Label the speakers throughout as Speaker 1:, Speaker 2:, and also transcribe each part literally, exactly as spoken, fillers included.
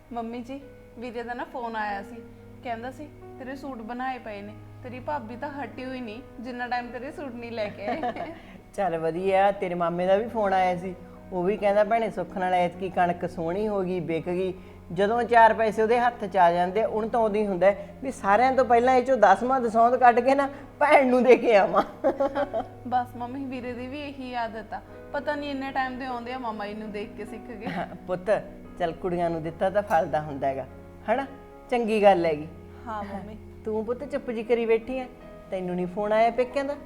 Speaker 1: Mummy ਜੀ ਵੀਰੇ ਦਾ ਨਾ ਫੋਨ ਆਇਆ ਸੀ, ਕਹਿੰਦਾ ਸੀ ਤੇਰੇ ਸੂਟ ਬਣਾਏ ਪਏ ਨੇ। ਤੇਰੀ ਭਾਬੀ ਤਾਂ ਹਟੀ ਹੋਈ ਨਹੀਂ ਜਿੰਨਾ ਟਾਈਮ ਤੇਰੇ ਸੂਟ ਨਹੀਂ ਲੈ ਕੇ ਆਏ।
Speaker 2: ਚੱਲ ਵਧੀਆ। ਤੇਰੇ ਮਾਮੇ ਦਾ ਵੀ ਫੋਨ ਆਇਆ ਸੀ, ਉਹ ਵੀ ਕਹਿੰਦਾ ਭੈਣੇ ਸੁੱਖ ਨਾਲ ਐਤਕੀ ਕਣਕ ਸੋਹਣੀ ਹੋ ਗਈ, ਵਿਕ ਗਈ। ਜਦੋਂ ਚਾਰ ਪੈਸੇ ਉਹਦੇ ਹੱਥ 'ਚ ਆ ਜਾਂਦੇ ਉਹਨੂੰ ਤਾਂ ਉਦੋਂ ਹੀ ਹੁੰਦਾ ਵੀ ਸਾਰਿਆਂ ਤੋਂ ਪਹਿਲਾਂ ਇਹ 'ਚੋਂ ਦਸਵਾਂ ਦਸੌਂਦ ਕੱਢ ਕੇ ਨਾ ਭੈਣ ਨੂੰ ਦੇ ਕੇ ਆਵਾਂ।
Speaker 1: ਬਸ ਮੰਮੀ ਵੀਰੇ ਦੀ ਵੀ ਇਹੀ ਆਦਤ ਆ, ਪਤਾ ਨਹੀਂ ਇੰਨੇ ਟਾਈਮ ਦੇ ਆਉਂਦੇ ਆ ਮਾਮਾ ਜੀ ਨੂੰ ਦੇਖ ਕੇ ਸਿੱਖ ਗਏ।
Speaker 2: ਪੁੱਤ ਚੱਲ ਕੁੜੀਆਂ ਨੂੰ ਦਿੱਤਾ ਤਾਂ ਫਲਦਾ ਹੁੰਦਾ ਹੈਗਾ, ਹਨਾ? ਚੰਗੀ ਗੱਲ ਹੈਗੀ।
Speaker 1: ਹਾਂ ਮੰਮੀ।
Speaker 2: ਤੂੰ ਪੁੱਤ ਚੁੱਪ ਜੀ ਕਰੀ ਬੈਠੀ ਐ, ਤੈਨੂੰ ਨਹੀਂ ਫੋਨ ਆਇਆ ਪੇਕਿਆਂ ਦਾ?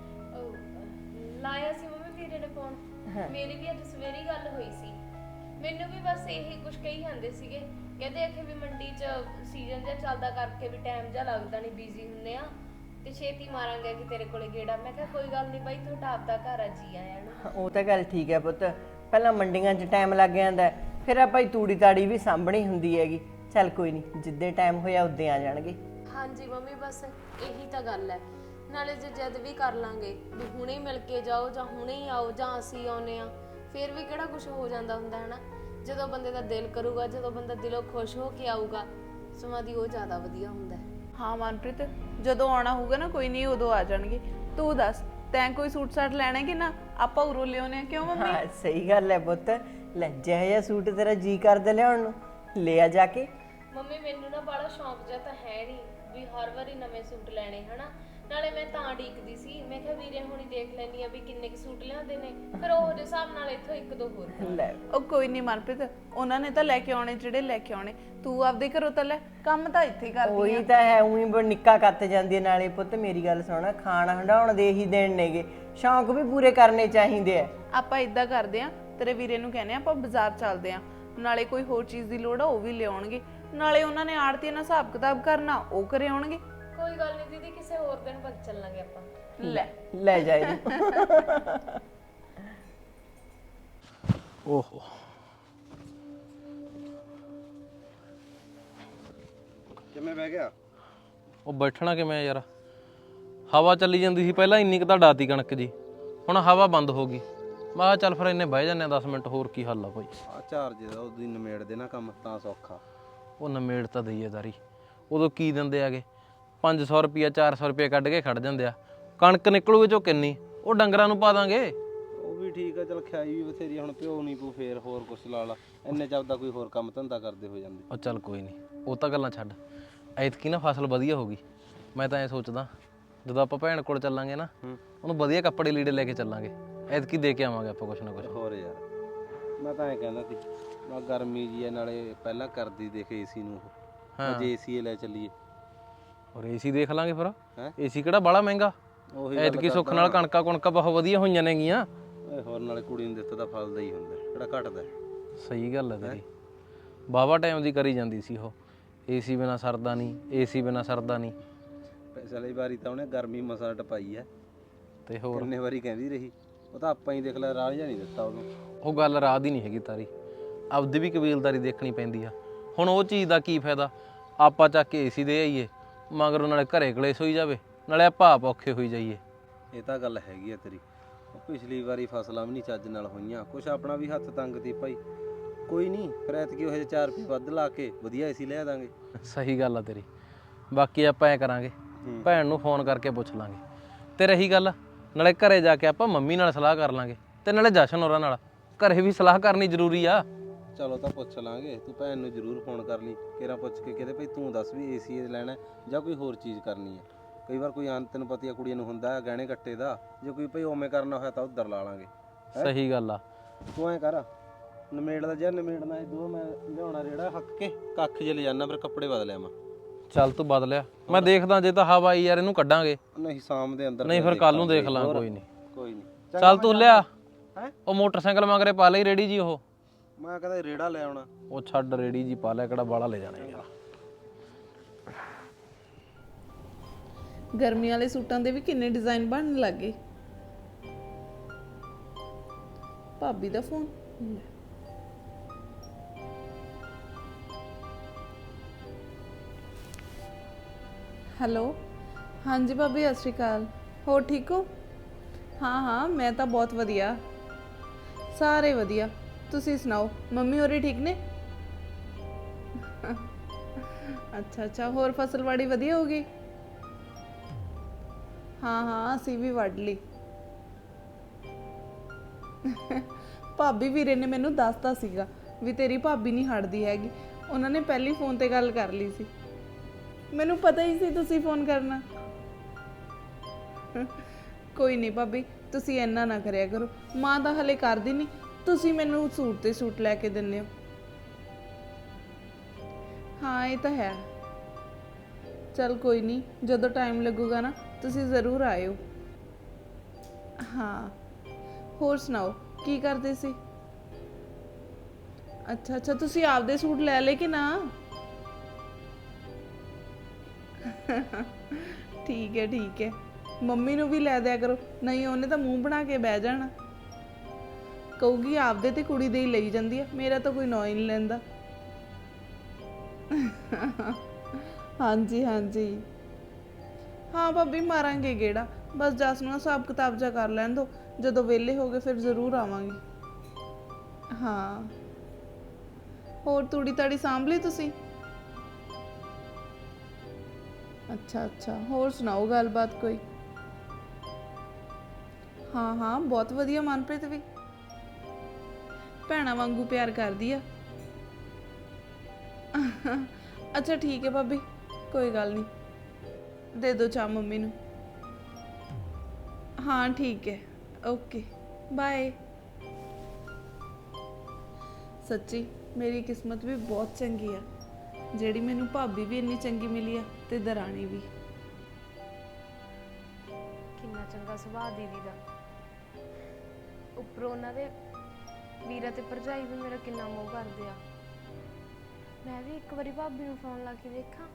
Speaker 3: ਲਾਇਆ ਸੀ ਮੰਮੀ ਵੀਰੇ ਨੇ ਫੋਨ, ਮੇਰੀ ਵੀ ਅੱਜ ਸਵੇਰੀ ਗੱਲ ਹੋਈ ਸੀ। ਮੈਨੂੰ ਵੀ ਬਸ ਇਹੀ ਕੁਝ ਕਹੀ ਜਾਂਦੇ ਸੀਗੇ, ਕਹਿੰਦੇ ਆਖੇ ਵੀ ਮੰਡੀ 'ਚ ਸੀਜ਼ਨ ਜਿਹਾ ਚੱਲਦਾ ਕਰਕੇ ਵੀ ਟਾਈਮ ਜਿਹਾ ਲੱਗਦਾ ਨਹੀਂ, ਬਿਜ਼ੀ ਹੁੰਦੇ ਆ ਤੇ ਛੇਤੀ ਮਾਰਾਂਗੇ ਕਿ ਤੇਰੇ ਕੋਲੇ ਗੇੜਾ। ਮੈਂ ਕਿਹਾ ਕੋਈ ਗੱਲ ਨਹੀਂ ਬਾਈ, ਤੁਹਾਡਾ ਆਪਦਾ ਘਰ ਆ, ਜੀ ਆਇਆਂ ਨੂੰ।
Speaker 2: ਉਹ ਤਾਂ ਗੱਲ ਠੀਕ ਹੈ ਪੁੱਤ, ਪਹਿਲਾਂ ਮੰਡੀਆਂ 'ਚ ਟਾਈਮ ਲੱਗ ਜਾਂਦਾ, ਫਿਰ ਆਪਾਂ ਹੀ ਤੂੜੀ ਤਾੜੀ ਵੀ ਸਾਂਭਣੀ ਹੁੰਦੀ ਹੈਗੀ। ਚੱਲ ਕੋਈ ਨਹੀਂ, ਜਿੱਦੇ ਟਾਈਮ ਹੋਇਆ ਉਦੋਂ ਆ ਜਾਣਗੇ।
Speaker 3: ਹਾਂਜੀ ਮੰਮੀ ਬਸ ਇਹੀ ਤਾਂ ਗੱਲ ਹੈ, ਨਾਲੇ ਜੇ ਜਦ ਵੀ ਕਰ ਲਾਂਗੇ ਵੀ ਹੁਣੇ ਹੀ ਮਿਲ ਕੇ ਜਾਓ ਜਾਂ ਹੁਣੇ ਹੀ ਆਓ ਜਾਂ ਅਸੀਂ ਆਉਨੇ ਆ, ਫਿਰ ਵੀ ਕਿਹੜਾ ਕੁਝ ਹੋ ਜਾਂਦਾ ਹੁੰਦਾ ਹੈ ਨਾ। ਜਦੋਂ ਬੰਦੇ ਦਾ ਦਿਲ ਕਰੂਗਾ, ਜਦੋਂ ਬੰਦਾ ਦਿਲੋਂ ਖੁਸ਼ ਹੋ ਕੇ ਆਊਗਾ, ਸਮਾਂ ਦੀ ਉਹ ਜ਼ਿਆਦਾ ਵਧੀਆ ਹੁੰਦਾ ਹੈ।
Speaker 1: ਹਾਂ ਮਨਪ੍ਰੀਤ, ਜਦੋਂ ਆਉਣਾ ਹੋਊਗਾ ਨਾ ਕੋਈ ਨਹੀਂ ਉਦੋਂ ਆ ਜਾਣਗੇ। ਤੂੰ ਦੱਸ ਤੈਂ ਕੋਈ ਸੂਟ ਸਾਟ ਲੈਣਾ ਕਿ ਨਾ? ਆਪਾਂ ਉਰੋਂ ਲਿਆਉਣੇ ਆ, ਕਿਉਂ ਮੰਮੀ?
Speaker 2: ਹਾਂ ਸਹੀ ਗੱਲ ਹੈ ਪੁੱਤ, ਲੈ ਜਿਹੋ ਜਿਹਾ ਸੂਟ ਤੇਰਾ ਜੀ ਕਰਦਾ ਲਿਆਉਣ ਨੂੰ ਲੈ ਆ ਜਾ ਕੇ।
Speaker 3: ਮੰਮੀ ਮੈਨੂੰ ਨਾ ਬੜਾ ਸ਼ੌਂਕ ਜਿਹਾ ਤਾਂ ਹੈ ਨਹੀਂ ਵੀ ਹਰ ਵਾਰੀ ਨਵੇਂ ਸੂਟ ਲੈਣੇ, ਹਨਾ। ਨਾਲੇ ਮੈਂ ਤਾਂ ਢੀਕਦੀ ਸੀ, ਮੈਂ ਕਿਹਾ ਵੀਰੇ ਹੁਣੀ ਦੇਖ ਲੈਣੀ ਆ ਵੀ ਕਿੰਨੇ ਕੁ ਸੂਟ ਲਿਆਉਂਦੇ ਨੇ, ਫਿਰ ਉਹ ਦੇ ਹਿਸਾਬ ਨਾਲ ਇੱਥੋਂ ਇੱਕ ਦੋ ਹੋਰ।
Speaker 2: ਲੈ
Speaker 1: ਉਹ ਕੋਈ ਨਹੀਂ ਮਨਪ੍ਰੀਤ, ਉਹਨਾਂ ਨੇ ਤਾਂ ਲੈ ਕੇ ਆਉਣੇ ਜਿਹੜੇ ਲੈ ਕੇ ਆਉਣੇ, ਤੂੰ ਆਪਦੇ ਘਰੋਂ ਤਾਂ ਲੈ, ਕੰਮ ਤਾਂ ਇੱਥੇ ਕਰਦੀ ਆ।
Speaker 2: ਉਹੀ ਤਾਂ ਹੈ, ਉਹੀ ਬ ਨਿੱਕਾ ਕੱਤ ਜਾਂਦੀ ਹੈ। ਨਾਲੇ ਪੁੱਤ ਮੇਰੀ ਗੱਲ ਸੁਣ, ਖਾਣ ਹੰਡਾਉਣ ਦੇ ਹੀ ਦੇਣ ਨੇਗੇ, ਸ਼ੌਂਕ ਵੀ ਪੂਰੇ ਕਰਨੇ ਚਾਹੀਦੇ ਆ।
Speaker 1: ਆਪਾਂ ਇਦਾਂ ਕਰਦੇ ਆ, ਤੇਰੇ ਵੀਰੇ ਨੂੰ ਕਹਿੰਦੇ ਆ ਆਪਾਂ ਬਾਜ਼ਾਰ ਚੱਲਦੇ ਆ, ਨਾਲੇ ਕੋਈ ਹੋਰ ਚੀਜ਼ ਦੀ ਲੋੜ ਆ ਉਹ ਵੀ ਲਿਆਉਣਗੇ, ਨਾਲੇ ਉਹਨਾਂ ਨੇ ਆੜਤੀ ਨਾਲ ਹਿਸਾਬ ਕਿਤਾਬ ਕਰਨਾ ਉਹ ਕਰੇ ਆਉਣਗੇ।
Speaker 3: ਕੋਈ ਗੱਲ ਨਹੀਂ ਦੀਦੀ, ਕਿਸੇ ਹੋਰ ਦਿਨ ਬਾਅਦ ਚੱਲਾਂਗੇ ਆਪਾਂ।
Speaker 1: ਲੈ
Speaker 2: ਲੈ ਜਾ ਇਹਨੂੰ।
Speaker 4: ਓਹੋ
Speaker 5: ਕਿਵੇਂ ਬਹਿ ਗਿਆ?
Speaker 4: ਉਹ ਬੈਠਣਾ ਕਿਵੇਂ ਯਾਰ, ਹਵਾ ਚੱਲੀ ਜਾਂਦੀ ਸੀ ਪਹਿਲਾਂ, ਇੰਨੀ ਕੁ ਤਾਂ ਡਾਤੀ ਕਣਕ ਜੀ, ਹੁਣ ਹਵਾ ਬੰਦ ਹੋ ਗਈ। ਮੈਂ ਕਿਹਾ ਚੱਲ ਫਿਰ ਇੰਨੇ ਬਹਿ ਜਾਂਦੇ ਆ ਦਸ ਮਿੰਟ ਹੋਰ, ਕੀ ਹੱਲ ਆ ਭਾਈ।
Speaker 5: ਆ ਚਾਰਜ ਦਾ ਉਹਦੀ ਨਿਮੇੜ ਦੇ ਨਾ ਕੰਮ, ਤਾਂ ਸੌਖਾ।
Speaker 4: ਉਹ ਨਮੇੜ ਤਾਂ ਦਈਏ ਦਾਰੀ, ਉਦੋਂ ਕੀ ਦਿੰਦੇ ਆਗੇ? ਪੰਜ ਸੌ ਰੁਪਈਆ ਚਾਰ ਸੌ ਰੁਪਈਆ ਕੱਢ ਕੇ ਖੜ ਜਾਂਦੇ ਆ। ਕਣਕ ਨਿਕਲੂਗੇ ਚੋਂ ਕਿੰਨੀ, ਉਹ ਡੰਗਰਾਂ ਨੂੰ ਪਾ ਦਾਂਗੇ।
Speaker 5: ਉਹ ਵੀ ਠੀਕ ਆ, ਚਲ ਖਿਆਈ ਵੀ ਬਥੇਰੀ, ਹੁਣ ਪਿਓ ਨਹੀਂ ਪੂ ਫੇਰ ਹੋਰ ਕੁਛ ਲਾ ਲਾ, ਇੰਨੇ ਚ ਆਪਦਾ ਕੋਈ ਹੋਰ ਕੰਮ ਧੰਦਾ ਕਰਦੇ ਹੋ ਜਾਂਦੇ।
Speaker 4: ਉਹ ਚੱਲ ਕੋਈ ਨਹੀਂ, ਉਹ ਤਾਂ ਗੱਲਾਂ ਛੱਡ। ਐਤਕੀ ਨਾ ਫਸਲ ਵਧੀਆ ਹੋ ਗਈ, ਮੈਂ ਤਾਂ ਐ ਸੋਚਦਾ ਜਦੋਂ ਆਪਾਂ ਭੈਣ ਕੋਲ ਚੱਲਾਂਗੇ ਨਾ, ਉਹਨੂੰ ਵਧੀਆ ਕੱਪੜੇ ਲੀੜੇ ਲੈ ਕੇ ਚੱਲਾਂਗੇ। ਐਤਕੀ ਦੇ ਕੇ ਆਵਾਂਗੇ ਆਪਾਂ ਕੁਛ ਨਾ ਕੁਛ।
Speaker 5: ਹੋਰ ਯਾਰ ਮੈਂ ਤਾਂ ਐਂ ਕਹਿੰਦਾ ਸੀ, ਮੈਂ ਗਰਮੀ ਜੀ ਆ, ਨਾਲੇ ਪਹਿਲਾਂ ਕਰਦੀ ਦੇਖ ਏਸੀ ਨੂੰ, ਉਹ ਜੇ ਏਸੀ ਲੈ ਚੱਲੀਏ।
Speaker 4: ਔਰ ਏਸੀ ਦੇਖ ਲਾਂਗੇ ਫਿਰ,
Speaker 5: ਹੈਂ?
Speaker 4: ਏਸੀ ਕਿਹੜਾ ਬਾਹਲਾ ਮਹਿੰਗਾ।
Speaker 5: ਉਹੀ
Speaker 4: ਐਤਕੀ ਸੁੱਖ ਨਾਲ ਕਣਕਾਂ ਕੁਣਕਾਂ ਬਹੁਤ ਵਧੀਆ ਹੋਈਆਂ ਨੇਗੀਆਂ।
Speaker 5: ਓਏ ਹੋਰ ਨਾਲੇ ਕੁੜੀ ਨੂੰ ਦਿੱਤਾ ਤਾਂ ਫਲਦਾ ਹੀ ਹੁੰਦਾ, ਕਿਹੜਾ ਘਟਦਾ।
Speaker 4: ਸਹੀ ਗੱਲ ਹੈ ਤੇਰੀ, ਬਾਵਾ ਟਾਈਮ ਦੀ ਕਰੀ ਜਾਂਦੀ ਸੀ ਉਹ, ਏਸੀ ਬਿਨਾ ਸਰਦਾ ਨਹੀਂ, ਏਸੀ ਬਿਨਾ ਸਰਦਾ ਨਹੀਂ।
Speaker 5: ਪਿਛਲੀ ਵਾਰੀ ਤਾਂ ਉਹਨੇ ਗਰਮੀ ਮਸਾਂ ਟਪਾਈ ਐ,
Speaker 4: ਤੇ ਹੋਰ
Speaker 5: ਕਿੰਨੇ ਵਾਰੀ ਕਹਿੰਦੀ ਰਹੀ। ਉਹ ਤਾਂ ਆਪਾਂ ਹੀ ਦੇਖ ਲੈ, ਰਾਹ ਜਿਹਾ ਨਹੀਂ ਦਿੱਤਾ ਉਹਨੂੰ।
Speaker 4: ਉਹ ਗੱਲ ਰਾਹ ਦੀ ਨਹੀਂ ਹੈਗੀ ਤਾਰੀ, ਆਪਦੀ ਵੀ ਕਬੀਲਦਾਰੀ ਦੇਖਣੀ ਪੈਂਦੀ ਆ। ਹੁਣ ਉਹ ਚੀਜ਼ ਦਾ ਕੀ ਫਾਇਦਾ, ਆਪਾਂ ਚੱਕ ਕੇ ਏਸੀ ਦੇ ਆਈਏ, ਮਗਰੋਂ ਨਾਲੇ ਘਰੇ ਕਲੇਸ਼ ਹੋਈ ਜਾਵੇ, ਨਾਲੇ ਆਪਾਂ ਆਪ ਔਖੇ ਹੋਈ ਜਾਈਏ।
Speaker 5: ਇਹ ਤਾਂ ਗੱਲ ਹੈਗੀ ਆ ਤੇਰੀ, ਪਿਛਲੀ ਵਾਰੀ ਫਸਲਾਂ ਵੀ ਨਹੀਂ ਚੱਜ ਨਾਲ ਹੋਈਆਂ, ਕੁਛ ਆਪਣਾ ਵੀ ਹੱਥ ਤੰਗ ਤੀ ਭਾਈ। ਕੋਈ ਨਹੀਂ, ਫਿਰ ਐਤਕੀ ਉਹ ਜਿਹੇ ਚਾਰ ਰੁਪਏ ਵੱਧ ਲਾ ਕੇ ਵਧੀਆ ਏਸੀ ਲੈ ਦਾਂਗੇ।
Speaker 4: ਸਹੀ ਗੱਲ ਆ ਤੇਰੀ। ਬਾਕੀ ਆਪਾਂ ਐ ਕਰਾਂਗੇ, ਭੈਣ ਨੂੰ ਫੋਨ ਕਰਕੇ ਪੁੱਛ ਲਾਂਗੇ, ਤੇ ਰਹੀ ਗੱਲ ਨਾਲੇ ਘਰੇ ਜਾ ਕੇ ਆਪਾਂ ਮੰਮੀ ਨਾਲ ਸਲਾਹ ਕਰ ਲਾਂਗੇ, ਤੇ ਨਾਲੇ ਜਸ਼ਨ ਹੋਰਾਂ ਨਾਲ। ਘਰੇ ਵੀ ਸਲਾਹ ਕਰਨੀ ਜ਼ਰੂਰੀ ਆ।
Speaker 5: ਚਲੋ ਤਾਂ ਪੁੱਛ ਲਾਂਗੇ, ਤੂੰ ਭੈਣ ਨੂੰ ਜ਼ਰੂਰ ਫੋਨ ਕਰ ਲਈ, ਕਿਹੜਾ ਪੁੱਛ ਕੇ ਕਹਿੰਦੇ ਭਾਈ ਤੂੰ ਦੱਸ ਵੀ ਏਸੀ ਲੈਣਾ ਜਾਂ ਕੋਈ ਹੋਰ ਚੀਜ਼ ਕਰਨੀ ਹੈ। ਕਈ ਵਾਰ ਕੋਈ ਅੰਤ ਤੈਨੂੰ ਪਤੀ ਆ ਕੁੜੀਆਂ ਨੂੰ ਹੁੰਦਾ ਗਹਿਣੇ ਕੱਟੇ ਦਾ, ਜੇ ਕੋਈ ਭਾਈ ਉਵੇਂ ਕਰਨਾ ਹੋਇਆ ਤਾਂ ਉੱਧਰ ਲਾ ਲਾਂਗੇ।
Speaker 4: ਸਹੀ ਗੱਲ ਆ।
Speaker 5: ਤੂੰ ਐਂ ਕਰ, ਨਮੇੜ ਦਾ ਜਾਂ ਨਮੇੜਨਾ ਇਹ ਦੋ, ਮੈਂ ਲਿਆਉਣਾ ਰੇੜਾ ਹੱਕ ਕੇ ਕੱਖ ਜੇ ਲੈ ਜਾਣਾ, ਫਿਰ ਕੱਪੜੇ ਬਦਲਿਆ ਮੈਂ।
Speaker 4: ਚੱਲ ਤੂੰ ਬਦਲਿਆ, ਮੈਂ ਦੇਖਦਾ ਜੇ ਤਾਂ ਹਵਾ ਆਈ ਯਾਰ ਇਹਨੂੰ ਕੱਢਾਂਗੇ,
Speaker 5: ਨਹੀਂ ਸ਼ਾਮ ਦੇ ਅੰਦਰ
Speaker 4: ਨਹੀਂ ਫਿਰ ਕੱਲ ਨੂੰ ਦੇਖ ਲਾਂ। ਕੋਈ ਨਹੀਂ
Speaker 5: ਕੋਈ ਨਹੀਂ,
Speaker 4: ਚੱਲ ਤੂੰ ਲਿਆ।
Speaker 5: ਹੈਂ?
Speaker 4: ਉਹ ਮੋਟਰਸਾਈਕਲ ਮਗਰੇ ਪਾ ਲਈ ਰੇੜੀ ਜੀ, ਉਹ
Speaker 5: ਮੈਂ ਕਹਿੰਦਾ ਰੇੜਾ ਲੈ ਆਉਣਾ।
Speaker 4: ਉਹ ਛੱਡ ਰੇੜੀ ਜੀ ਪਾ ਲਿਆ, ਕਿਹੜਾ ਬਾਲਾ ਲੈ ਜਾਣਾ ਯਾਰ।
Speaker 1: ਗਰਮੀ ਵਾਲੇ ਸੂਟਾਂ ਦੇ ਵੀ ਕਿੰਨੇ ਡਿਜ਼ਾਈਨ ਬਣਨ ਲੱਗੇ। ਭਾਬੀ ਦਾ ਫੋਨ। ਹੈਲੋ, ਹਾਂਜੀ ਭਾਬੀ ਸਤਿ ਸ਼੍ਰੀ ਅਕਾਲ, ਹੋਰ ਠੀਕ ਹੋ? ਹਾਂ ਹਾਂ ਮੈਂ ਤਾਂ ਬਹੁਤ ਵਧੀਆ, ਸਾਰੇ ਵਧੀਆ। ਤੁਸੀਂ ਸੁਣਾਓ, ਮੰਮੀ ਹੋਰੀ ਠੀਕ ਨੇ? ਅੱਛਾ ਅੱਛਾ, ਹੋਰ ਫਸਲਵਾੜੀ ਵਧੀਆ ਹੋ ਗਈ? ਹਾਂ ਹਾਂ, ਅਸੀਂ ਵੀ ਵੱਢ ਲਈ। ਭਾਬੀ ਵੀਰੇ ਨੇ ਮੈਨੂੰ ਦੱਸਤਾ ਸੀਗਾ ਵੀ ਤੇਰੀ ਭਾਬੀ ਨਹੀਂ ਹਟਦੀ ਹੈਗੀ, ਉਹਨਾਂ ਨੇ ਪਹਿਲੀ ਫੋਨ ਤੇ ਗੱਲ ਕਰ ਲਈ ਸੀ। ਮੈਨੂੰ ਪਤਾ ਹੀ ਸੀ ਤੁਸੀਂ ਫੋਨ ਕਰਨਾ। ਕੋਈ ਨਹੀਂ ਭਾਬੀ, ਤੁਸੀਂ ਇੰਨਾ ਨਾ ਕਰਿਆ ਕਰੋ, ਮਾਂ ਤਾਂ ਹਲੇ ਕਰਦੀ ਨਹੀਂ, ਤੁਸੀਂ ਮੈਨੂੰ ਸੂਟ ਤੇ ਸੂਟ ਲੈ ਕੇ ਦਿੰਦੇ ਹੋ। ਹਾਂ ਇਹ ਤਾਂ ਹੈ। ਚਲ ਕੋਈ ਨਹੀਂ, ਜਦੋਂ ਟਾਈਮ ਲੱਗੂਗਾ ਨਾ ਤੁਸੀਂ ਜ਼ਰੂਰ ਆਇਓ। ਹਾਂ, ਹੋਰ ਸੁਣਾਓ ਕੀ ਕਰਦੇ ਸੀ? ਅੱਛਾ ਅੱਛਾ, ਤੁਸੀਂ ਆਪਦੇ ਸੂਟ ਲੈ ਲਏ ਕਿ ਨਾ? ਠੀਕ ਹੈ ਠੀਕ ਹੈ, ਮੰਮੀ ਨੂੰ ਵੀ ਲੈ ਦਿਆ ਕਰੋ, ਨਹੀਂ ਉਹਨੇ ਤਾਂ ਮੂੰਹ ਬਣਾ ਕੇ ਬਹਿ ਜਾਣਾ, ਕਹੂਗੀ ਆਪਦੇ ਤੇ ਕੁੜੀ ਦੇ ਹੀ ਲਈ ਜਾਂਦੀ ਆ, ਮੇਰਾ ਤਾਂ ਕੋਈ ਨਾਂ ਹੀ ਨਹੀਂ ਲੈਂਦਾ। ਹਾਂਜੀ ਹਾਂਜੀ, ਹਾਂ ਭਾਬੀ ਮਾਰਾਂਗੇ ਗੇੜਾ, ਬਸ ਜਸ ਨੂੰ ਹਿਸਾਬ ਕਿਤਾਬ ਜਾ ਕਰ ਲੈਣ ਦੋ, ਜਦੋਂ ਵਿਹਲੇ ਹੋ ਗਏ ਫਿਰ ਜ਼ਰੂਰ ਆਵਾਂਗੇ। ਹਾਂ, ਹੋਰ ਤੂੜੀ ਤਾੜੀ ਸਾਂਭ ਲਈ ਤੁਸੀਂ? ਅੱਛਾ ਅੱਛਾ, ਹੋਰ ਸੁਣਾਓ ਗੱਲਬਾਤ ਕੋਈ? ਹਾਂ ਹਾਂ, ਬਹੁਤ ਵਧੀਆ, ਮਨਪ੍ਰੀਤ ਵੀ ਭੈਣਾਂ ਵਾਂਗੂ ਪਿਆਰ ਕਰਦੀ ਆ। ਅੱਛਾ ਠੀਕ ਹੈ ਭਾਬੀ, ਕੋਈ ਗੱਲ ਨਹੀਂ, ਦੇ ਦਿਓ ਚਾਹ ਮੰਮੀ ਨੂੰ। ਹਾਂ ਠੀਕ ਹੈ, ਓਕੇ ਬਾਏ। ਸੱਚੀ ਮੇਰੀ ਕਿਸਮਤ ਵੀ ਬਹੁਤ ਚੰਗੀ ਆ, ਜਿਹੜੀ ਮੈਨੂੰ ਭਾਬੀ ਵੀ ਇੰਨੀ ਚੰਗੀ ਮਿਲੀ ਆ ਤੇ ਦਰਾਣੀ ਵੀ।
Speaker 3: ਕਿੰਨਾ ਚੰਗਾ ਸੁਭਾਅ ਦੀਦੀ ਦਾ, ਉੱਪਰੋਂ ਉਹਨਾਂ ਦੇ ਵੀਰਾ ਤੇ ਭਰਜਾਈ ਵੀ ਮੇਰਾ ਕਿੰਨਾ ਮੋਹ ਕਰਦੇ ਆ। ਮੈਂ ਵੀ ਇੱਕ ਵਾਰੀ ਭਾਬੀ ਨੂੰ ਫੋਨ ਲਾ ਕੇ ਦੇਖਾਂ।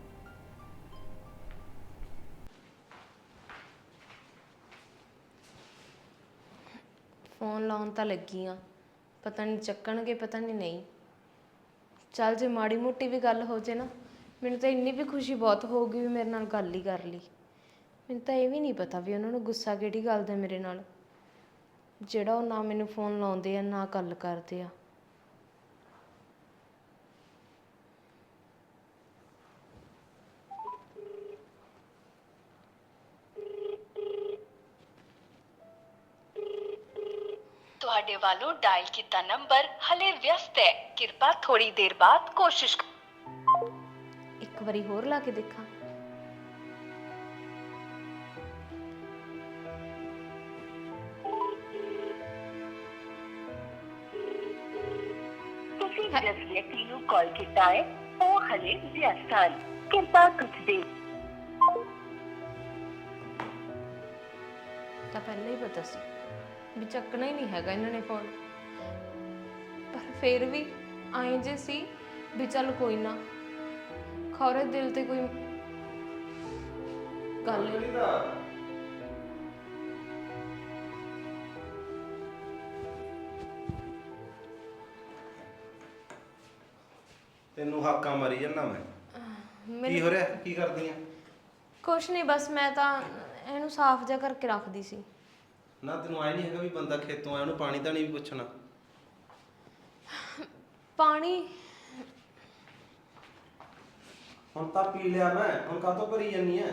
Speaker 3: ਫੋਨ ਲਾਉਣ ਤਾਂ ਲੱਗੀ ਆ, ਪਤਾ ਨਹੀਂ ਚੱਕਣਗੇ ਪਤਾ ਨਹੀਂ ਨਹੀਂ। ਚੱਲ ਜੇ ਮਾੜੀ ਮੋਟੀ ਵੀ ਗੱਲ ਹੋ ਜੇ ਨਾ, ਮੈਨੂੰ ਤਾਂ ਇੰਨੀ ਵੀ ਖੁਸ਼ੀ ਬਹੁਤ ਹੋਊਗੀ ਵੀ ਮੇਰੇ ਨਾਲ ਗੱਲ ਹੀ ਕਰ ਲਈ। ਮੈਨੂੰ ਤਾਂ ਇਹ ਵੀ ਨਹੀਂ ਪਤਾ ਵੀ ਉਹਨਾਂ ਨੂੰ ਗੁੱਸਾ ਕਿਹੜੀ ਗੱਲ ਦਾ ਮੇਰੇ ਨਾਲ, ਜਿਹੜਾ ਉਹ ਨਾ ਮੈਨੂੰ ਫੋਨ ਲਾਉਂਦੇ ਆ ਨਾ ਗੱਲ ਕਰਦੇ ਆ।
Speaker 6: ਤੁਹਾਡੇ ਵੱਲੋਂ ਡਾਇਲ ਕੀਤਾ ਨੰਬਰ ਹਲੇ ਵਿਅਸਤ ਹੈ, ਕਿਰਪਾ ਥੋੜੀ ਦੇਰ ਬਾਅਦ ਕੋਸ਼ਿਸ਼।
Speaker 3: ਇੱਕ ਵਾਰੀ ਹੋਰ ਲਾ ਕੇ ਦੇਖਾਂ।
Speaker 6: ਤੁਸੀਂ ਜਿਸ ਵਿਅਕਤੀ ਨੂੰ ਕਾਲ ਕੀਤਾ ਹੈ ਉਹ ਹਲੇ ਵਿਅਸਤ ਹਨ, ਕਿਰਪਾ ਕੁਝ ਦੇਰ।
Speaker 3: ਤਾਂ ਪਹਿਲਾਂ ਹੀ ਪਤਾ ਸੀ ਵੀ ਚੱਕਣਾ ਹੀ ਨਹੀਂ ਹੈਗਾ ਇਹਨਾਂ ਨੇ ਫੋਨ, ਪਰ ਫਿਰ ਵੀ ਆਏ ਜੇ ਸੀ ਵੀ ਚੱਲ ਕੋਈ ਨਾ, ਖੌਰੇ ਦਿਲ ਤੇ ਕੋਈ ਗੱਲ ਨਹੀਂ।
Speaker 5: ਤੈਨੂੰ ਹਾਕਾਂ ਮਾਰੀ ਜਾਂਦਾ ਮੈਂ, ਕੀ ਹੋ ਰਿਹਾ, ਕੀ ਕਰਦੀ ਆ?
Speaker 3: ਕੁਛ ਨਹੀਂ, ਬਸ ਮੈਂ ਤਾਂ ਇਹਨੂੰ ਸਾਫ਼ ਜਿਹਾ ਕਰਕੇ ਰੱਖਦੀ ਸੀ।
Speaker 5: ਨਾ ਤੈਨੂੰ ਆਈ ਨਹੀਂ ਹੈਗਾ ਵੀ ਬੰਦਾ ਖੇਤੋਂ ਆਇਆ ਉਹਨੂੰ ਪਾਣੀ ਤਾਂ ਨਹੀਂ ਵੀ ਪੁੱਛਣਾ?
Speaker 3: ਪਾਣੀ
Speaker 5: ਹੁਣ ਤਾਂ ਪੀ ਲਿਆ ਮੈਂ, ਹੁਣ ਕਾਹਤੋਂ ਭਰੀ ਜਾਨੀ ਐ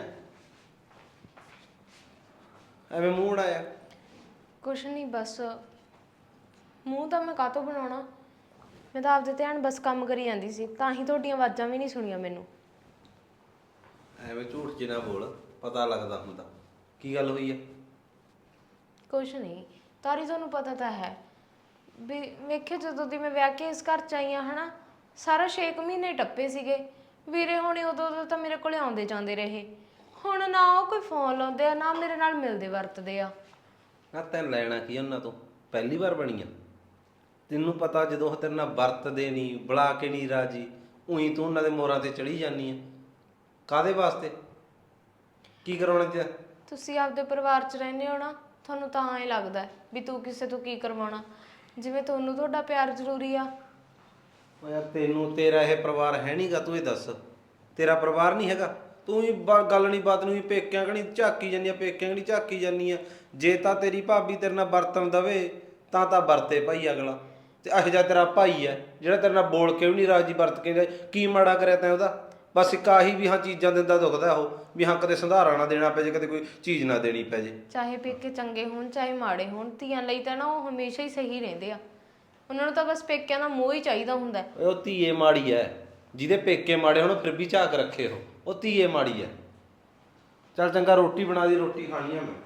Speaker 5: ਐਵੇਂ ਮੂੰਹ ਉਡਾਇਆ?
Speaker 3: ਕੁਛ ਨਹੀਂ, ਬਸ ਮੂੰਹ ਤਾਂ ਮੈਂ ਕਾਹਤੋਂ ਬਣਾਉਣਾ, ਮੈਂ ਤਾਂ ਆਪਦੇ ਧਿਆਨ ਬਸ ਕੰਮ ਕਰੀ ਜਾਂਦੀ ਸੀ, ਤਾਂ ਹੀ ਤੁਹਾਡੀਆਂ ਆਵਾਜ਼ਾਂ ਵੀ ਨਹੀਂ ਸੁਣੀਆਂ ਮੈਨੂੰ।
Speaker 5: ਐਵੇਂ ਝੂਠ ਜਿਹਾ ਨਾ ਬੋਲ, ਪਤਾ ਲੱਗਦਾ ਹੁੰਦਾ। ਕੀ ਗੱਲ ਹੋਈ ਐ?
Speaker 3: ਕੁਛ ਨਹੀਂ ਤਾਰੀ, ਤੁਹਾਨੂੰ ਪਤਾ ਤਾਂ ਹੈ ਵੀ ਵੇਖਿਓ ਜਦੋਂ ਦੀ ਮੈਂ ਵਿਆਹ ਕੇ ਇਸ ਘਰ ਚ ਆਈ ਹਾਂ ਹਨਾ, ਸਾਰਾ ਛੇ ਕੁ ਮਹੀਨੇ ਟੱਪੇ ਸੀਗੇ। ਵੀਰੇ ਹੁਣੇ ਉਦੋਂ ਉਦੋਂ ਤਾਂ ਮੇਰੇ ਕੋਲੇ ਆਉਂਦੇ ਜਾਂਦੇ ਰਹੇ, ਹੁਣ ਨਾ ਉਹ ਕੋਈ ਫੋਨ ਲਾਉਂਦੇ ਆ ਨਾ ਮੇਰੇ ਨਾਲ ਮਿਲਦੇ ਵਰਤਦੇ ਆ।
Speaker 5: ਨਾ ਤੈਨੂੰ ਲੈਣਾ ਕੀ ਉਹਨਾਂ ਤੋਂ, ਪਹਿਲੀ ਵਾਰ ਬਣੀ ਆ? ਤੈਨੂੰ ਪਤਾ ਜਦੋਂ ਉਹ ਤੇਰੇ ਨਾਲ ਵਰਤਦੇ ਨਹੀਂ, ਬੁਲਾ ਕੇ ਨਹੀਂ ਰਾਜੀ, ਉਹੀ ਤੂੰ ਉਹਨਾਂ ਦੇ ਮੋਰਾਂ ਤੇ ਚੜੀ ਜਾਂਦੀ ਆ। ਕਾਹਦੇ ਵਾਸਤੇ, ਕੀ ਕਰਾਉਣਾ ਤੇ?
Speaker 3: ਤੁਸੀਂ ਆਪਦੇ ਪਰਿਵਾਰ ਚ ਰਹਿੰਦੇ ਹੋ ਨਾ, ਤੁਹਾਨੂੰ ਤਾਂ ਐਂ ਲੱਗਦਾ ਵੀ ਤੂੰ ਕਿਸੇ ਤੋਂ ਕੀ ਕਰਵਾਉਣਾ, ਜਿਵੇਂ ਤੁਹਾਨੂੰ ਤੁਹਾਡਾ ਪਿਆਰ ਜ਼ਰੂਰੀ ਆ।
Speaker 5: ਓ ਯਾਰ ਤੈਨੂੰ ਤੇਰਾ ਇਹ ਪਰਿਵਾਰ ਹੈ ਨਹੀਂਗਾ, ਤੂੰ ਇਹ ਦੱਸ, ਤੇਰਾ ਪਰਿਵਾਰ ਨਹੀਂ ਹੈਗਾ? ਤੂੰ ਹੀ ਗੱਲ ਨਹੀਂ ਬਾਤ ਨੂੰ ਹੀ ਪੇਕਿਆਂ ਕਣੀ ਝਾਕੀ ਜਾਂਦੀ ਆ, ਪੇਕਿਆਂ ਕਣੀ ਝਾਕੀ ਜਾਂਦੀ ਆ। ਜੇ ਤਾਂ ਤੇਰੀ ਭਾਬੀ ਤੇਰੇ ਨਾਲ ਵਰਤਣ ਦਵੇ ਤਾਂ ਤਾਂ ਵਰਤੇ ਭਾਈ ਅਗਲਾ, ਤੇ ਇਹੋ ਜਿਹਾ ਤੇਰਾ ਭਾਈ ਹੈ ਜਿਹੜਾ ਤੇਰੇ ਨਾਲ ਬੋਲ ਕੇ ਵੀ ਨਹੀਂ ਰਾਜੀ, ਵਰਤ ਕੇ ਨਹੀਂ ਰਾਜੀ। ਕੀ ਮਾੜਾ ਕਰਿਆ ਤੈਂ ਉਹਦਾ? ਬਸ ਇੱਕ ਆਹੀ ਵੀ ਹਾਂ ਚੀਜ਼ਾਂ ਦਿੰਦਾ ਦੁਖਦਾ ਉਹ, ਵੀ ਹਾਂ ਕਦੇ ਸੰਧਾਰਾ ਨਾ ਦੇਣਾ ਪੈ ਜੇ, ਕਦੇ ਕੋਈ ਚੀਜ਼ ਨਾ ਦੇਣੀ ਪੈ ਜੇ।
Speaker 3: ਚਾਹੇ ਪੇਕੇ ਚੰਗੇ ਹੋਣ ਚਾਹੇ ਮਾੜੇ ਹੋਣ, ਧੀਆਂ ਲਈ ਤਾਂ ਨਾ ਉਹ ਹਮੇਸ਼ਾ ਹੀ ਸਹੀ ਰਹਿੰਦੇ ਆ। ਉਹਨਾਂ ਨੂੰ ਤਾਂ ਬਸ ਪੇਕਿਆਂ ਦਾ ਮੋਹ ਹੀ ਚਾਹੀਦਾ ਹੁੰਦਾ।
Speaker 5: ਉਹ ਧੀਏ ਮਾੜੀ ਐ, ਜਿਹਦੇ ਪੇਕੇ ਮਾੜੇ ਹੋਣ ਫਿਰ ਵੀ ਝਾਕ ਰੱਖੇ ਉਹ ਉਹ ਧੀਏ ਮਾੜੀ ਐ। ਚੱਲ ਚੰਗਾ ਰੋਟੀ ਬਣਾ ਦੀ, ਰੋਟੀ ਖਾਣੀ ਆ ਮੈਂ।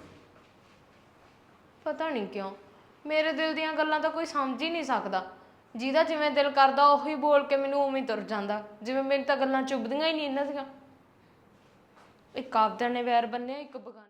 Speaker 3: ਪਤਾ ਨਹੀਂ ਕਿਉਂ ਮੇਰੇ ਦਿਲ ਦੀਆਂ ਗੱਲਾਂ ਤਾਂ ਕੋਈ ਸਮਝ ਹੀ ਨਹੀਂ ਸਕਦਾ। ਜਿਹਦਾ ਜਿਵੇਂ ਦਿਲ ਕਰਦਾ ਉਹੀ ਬੋਲ ਕੇ ਮੈਨੂੰ ਉਵੇਂ ਤੁਰ ਜਾਂਦਾ, ਜਿਵੇਂ ਮੇਰੀ ਤਾਂ ਗੱਲਾਂ ਚੁੱਭਦੀਆਂ ਹੀ ਨਹੀਂ ਇਹਨਾਂ ਦੀਆਂ। ਇੱਕ ਆਪਦਿਆਂ ਨੇ ਵੈਰ ਬੰਨਿਆ, ਇੱਕ ਬਗਾਨੇ।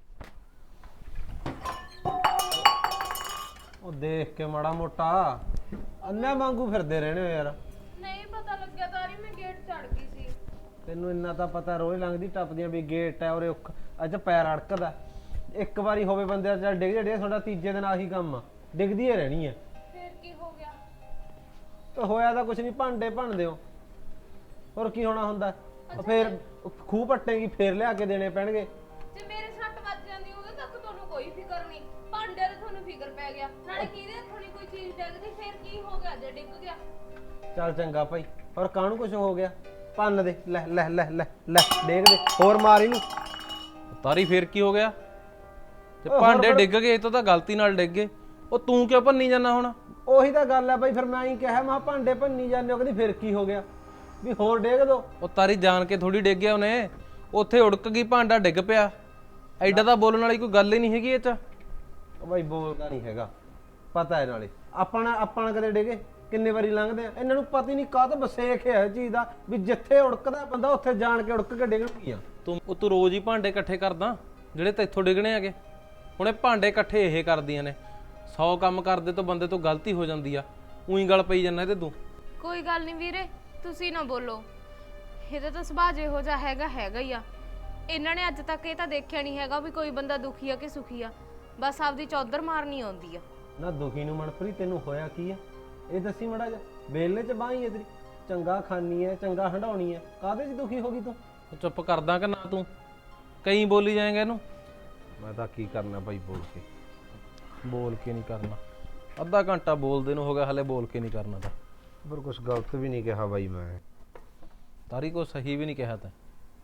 Speaker 7: ਉਹ ਦੇਖ ਕੇ ਮਾੜਾ ਮੋਟਾ ਅੰਨਾ ਵਾਂਗੂ ਫਿਰਦੇ ਰਹਿਣੇ ਹੋ ਯਾਰ।
Speaker 3: ਨਹੀਂ ਪਤਾ ਲੱਗਿਆ ਤਾਰੀ, ਮੈਂ ਗੇਟ ਚੜ ਗਈ ਸੀ।
Speaker 7: ਤੈਨੂੰ ਇੰਨਾ ਤਾਂ ਪਤਾ ਰੋਜ਼ ਲੰਘਦੀ ਟੱਪਦੀਆਂ ਵੀ ਗੇਟ ਹੈ ਉਰੇ, ਅੱਜ ਪੈਰ ਅੜਕਦਾ। ਇੱਕ ਵਾਰੀ ਹੋਵੇ ਬੰਦੇ ਦਾ ਚੱਲ ਡਿੱਗ ਜੜੇ, ਤੁਹਾਡਾ ਤੀਜੇ ਦਿਨ ਆਹੀ ਕੰਮ ਆ, ਡਿੱਗਦੀ ਹੀ ਰਹਿਣੀ ਹੈ।
Speaker 3: ਫੇਰ ਕੀ ਹੋ ਗਿਆ?
Speaker 7: ਤੇ ਹੋਇਆ ਤਾਂ ਕੁਛ ਨਹੀਂ, ਭਾਂਡੇ ਭੰਨਦੇ ਹੋ, ਹੋਰ ਕੀ ਹੋਣਾ ਹੁੰਦਾ। ਫੇਰ ਖੂਹ ਪੱਟੇਗੀ, ਫੇਰ ਲਿਆ ਕੇ ਦੇਣੇ ਪੈਣਗੇ।
Speaker 3: ਜੇ ਮੇਰੇ ਸੱਟ ਵੱਜ ਜਾਂਦੀ ਉਹਦੇ ਤੱਕ ਤੁਹਾਨੂੰ ਕੋਈ ਫਿਕਰ ਨਹੀਂ, ਭਾਂਡਿਆਂ ਦਾ ਤੁਹਾਨੂੰ ਫਿਕਰ ਪੈ ਗਿਆ। ਨਾਲੇ ਕਿਹਦੇ ਹੱਥੋਂ ਨੀ ਕੋਈ ਚੀਜ਼ ਡਿੱਗਦੀ, ਫੇਰ ਕੀ ਹੋ ਗਿਆ ਜੇ ਡਿੱਗ ਗਿਆ?
Speaker 7: ਚੱਲ ਚੰਗਾ ਭਾਈ, ਹੋਰ ਕਾਹਨੂੰ ਕੁਛ ਹੋ ਗਿਆ? ਭੰਨ ਦੇ, ਲੈ ਲੈ ਲੈ ਲੈ ਲੈ ਡੇਗ ਦੇ, ਹੋਰ ਮਾਰ ਇਹਨੂੰ।
Speaker 4: ਤਾਰੀ ਫੇਰ ਕੀ ਹੋ ਗਿਆ? ਤੇ ਭਾਂਡੇ ਡਿੱਗ ਗਏ, ਇਹ ਤੋਂ ਤਾਂ ਗਲਤੀ ਨਾਲ ਡਿੱਗ ਗਏ। ਉਹ ਤੂੰ ਕਿਉਂ ਭੰਨੀ ਜਾਂਦਾ ਹੁਣ?
Speaker 7: ਉਹੀ ਤਾਂ ਗੱਲ ਹੈ ਬਾਈ, ਫਿਰ ਮੈਂ ਹੀ ਕਿਹਾ ਮੈਂ ਭਾਂਡੇ ਭੰਨੀ ਜਾਂਦੇ ਹੋ, ਕਹਿੰਦੀ ਫਿਰ ਕੀ ਹੋ ਗਿਆ, ਵੀ ਹੋਰ ਡੇਗ ਦੋ।
Speaker 4: ਉਹ ਤਾਰੀ ਜਾਣ ਕੇ ਥੋੜੀ ਡਿੱਗ ਗਿਆ ਉਹਨੇ, ਉੱਥੇ ਉੜਕ ਗਈ, ਭਾਂਡਾ ਡਿੱਗ ਪਿਆ। ਐਡਾ ਤਾਂ ਬੋਲਣ ਵਾਲੀ ਕੋਈ ਗੱਲ ਹੀ ਨਹੀਂ ਹੈਗੀ ਇਹ ਚ।
Speaker 7: ਉਹ ਬਾਈ ਬੋਲਦਾ ਨਹੀਂ ਹੈਗਾ, ਪਤਾ ਹੈ। ਨਾਲੇ ਆਪਾਂ ਆਪਾਂ ਕਦੇ ਡਿੱਗੇ, ਕਿੰਨੇ ਵਾਰੀ ਲੰਘਦੇ ਆ, ਇਹਨਾਂ ਨੂੰ ਪਤਾ ਹੀ ਨਹੀਂ ਕਾਹ ਤੋਂ ਬਸੇਖ ਹੈ ਚੀਜ਼ ਦਾ, ਵੀ ਜਿੱਥੇ ਉੜਕਦਾ ਬੰਦਾ ਉੱਥੇ ਜਾਣ ਕੇ ਉੜਕ ਕੇ ਡਿੱਗਣਗੀਆਂ।
Speaker 4: ਤੂੰ ਉਹ ਤੂੰ ਰੋਜ਼ ਹੀ ਭਾਂਡੇ ਇਕੱਠੇ ਕਰਦਾ ਜਿਹੜੇ ਤੈਥੋਂ ਡਿੱਗਣੇ ਹੈਗੇ। ਹੁਣ ਇਹ ਭਾਂਡੇ ਇਕੱਠੇ ਇਹ ਕਰਦੀਆਂ ਨੇ, ਸੌ ਕੰਮ ਕਰਦੇ ਤੋਂ ਬੰਦੇ ਤੋਂ ਗਲਤੀ ਹੋ ਜਾਂਦੀ ਆ, ਉਹੀ ਗੱਲ ਪਈ ਜਾਂਦਾ ਤੇ ਤੂੰ।
Speaker 3: ਕੋਈ ਗੱਲ ਨਹੀਂ ਵੀਰੇ, ਤੁਸੀਂ ਨਾ ਬੋਲੋ। ਇਹਦਾ ਤਾਂ ਸੁਭਾਅ ਜਿਹੋ ਜਿਹਾ ਹੈਗਾ ਹੈਗਾ ਹੀ ਆ। ਇਹਨਾਂ ਨੇ ਅੱਜ ਤੱਕ ਇਹ ਤਾਂ ਦੇਖਿਆ ਨਹੀਂ ਹੈਗਾ ਵੀ ਕੋਈ ਬੰਦਾ ਦੁਖੀ ਆ ਕਿ ਸੁਖੀ ਆ, ਬਸ ਆਪਦੀ ਚੌਧਰ ਮਾਰਨੀ ਆਉਂਦੀ ਆ।
Speaker 7: ਨਾ ਦੁਖੀ ਨੂੰ ਮਨਪ੍ਰੀਤ ਤੈਨੂੰ ਹੋਇਆ ਕੀ ਆ, ਇਹ ਦੱਸੀ ਮੜਾ ਜਾ। ਬੇਲੇ ਚ ਬਾਹੀ ਹੈ ਤੇਰੀ, ਚੰਗਾ ਖਾਣੀ ਹੈ, ਚੰਗਾ ਹੰਡਾਉਣੀ ਹੈ, ਕਾਹਦੇ ਚ ਦੁਖੀ ਹੋ ਗਈ ਤੂੰ?
Speaker 4: ਚੁੱਪ ਕਰਦਾ ਕਿ ਨਾ ਤੂੰ ਕਈ ਬੋਲੀ ਜਾਏਗਾ ਇਹਨੂੰ?
Speaker 7: ਮੈਂ ਤਾਂ ਕੀ ਕਰਨਾ ਬਾਈ ਬੋਲ ਕੇ।
Speaker 4: ਬੋਲ ਕੇ ਨਹੀਂ ਕਰਨਾ, ਅੱਧਾ ਘੰਟਾ ਬੋਲਦੇ ਨੂੰ ਹੋ ਗਿਆ, ਹਲੇ ਬੋਲ ਕੇ ਨਹੀਂ ਕਰਨਾ ਤਾਂ।
Speaker 7: ਪਰ ਕੁਛ ਗਲਤ ਵੀ ਨਹੀਂ ਕਿਹਾ ਬਾਈ ਮੈਂ।
Speaker 4: ਤਾਰੀ ਕੋ ਸਹੀ ਵੀ ਨਹੀਂ ਕਿਹਾ ਤੈਂ।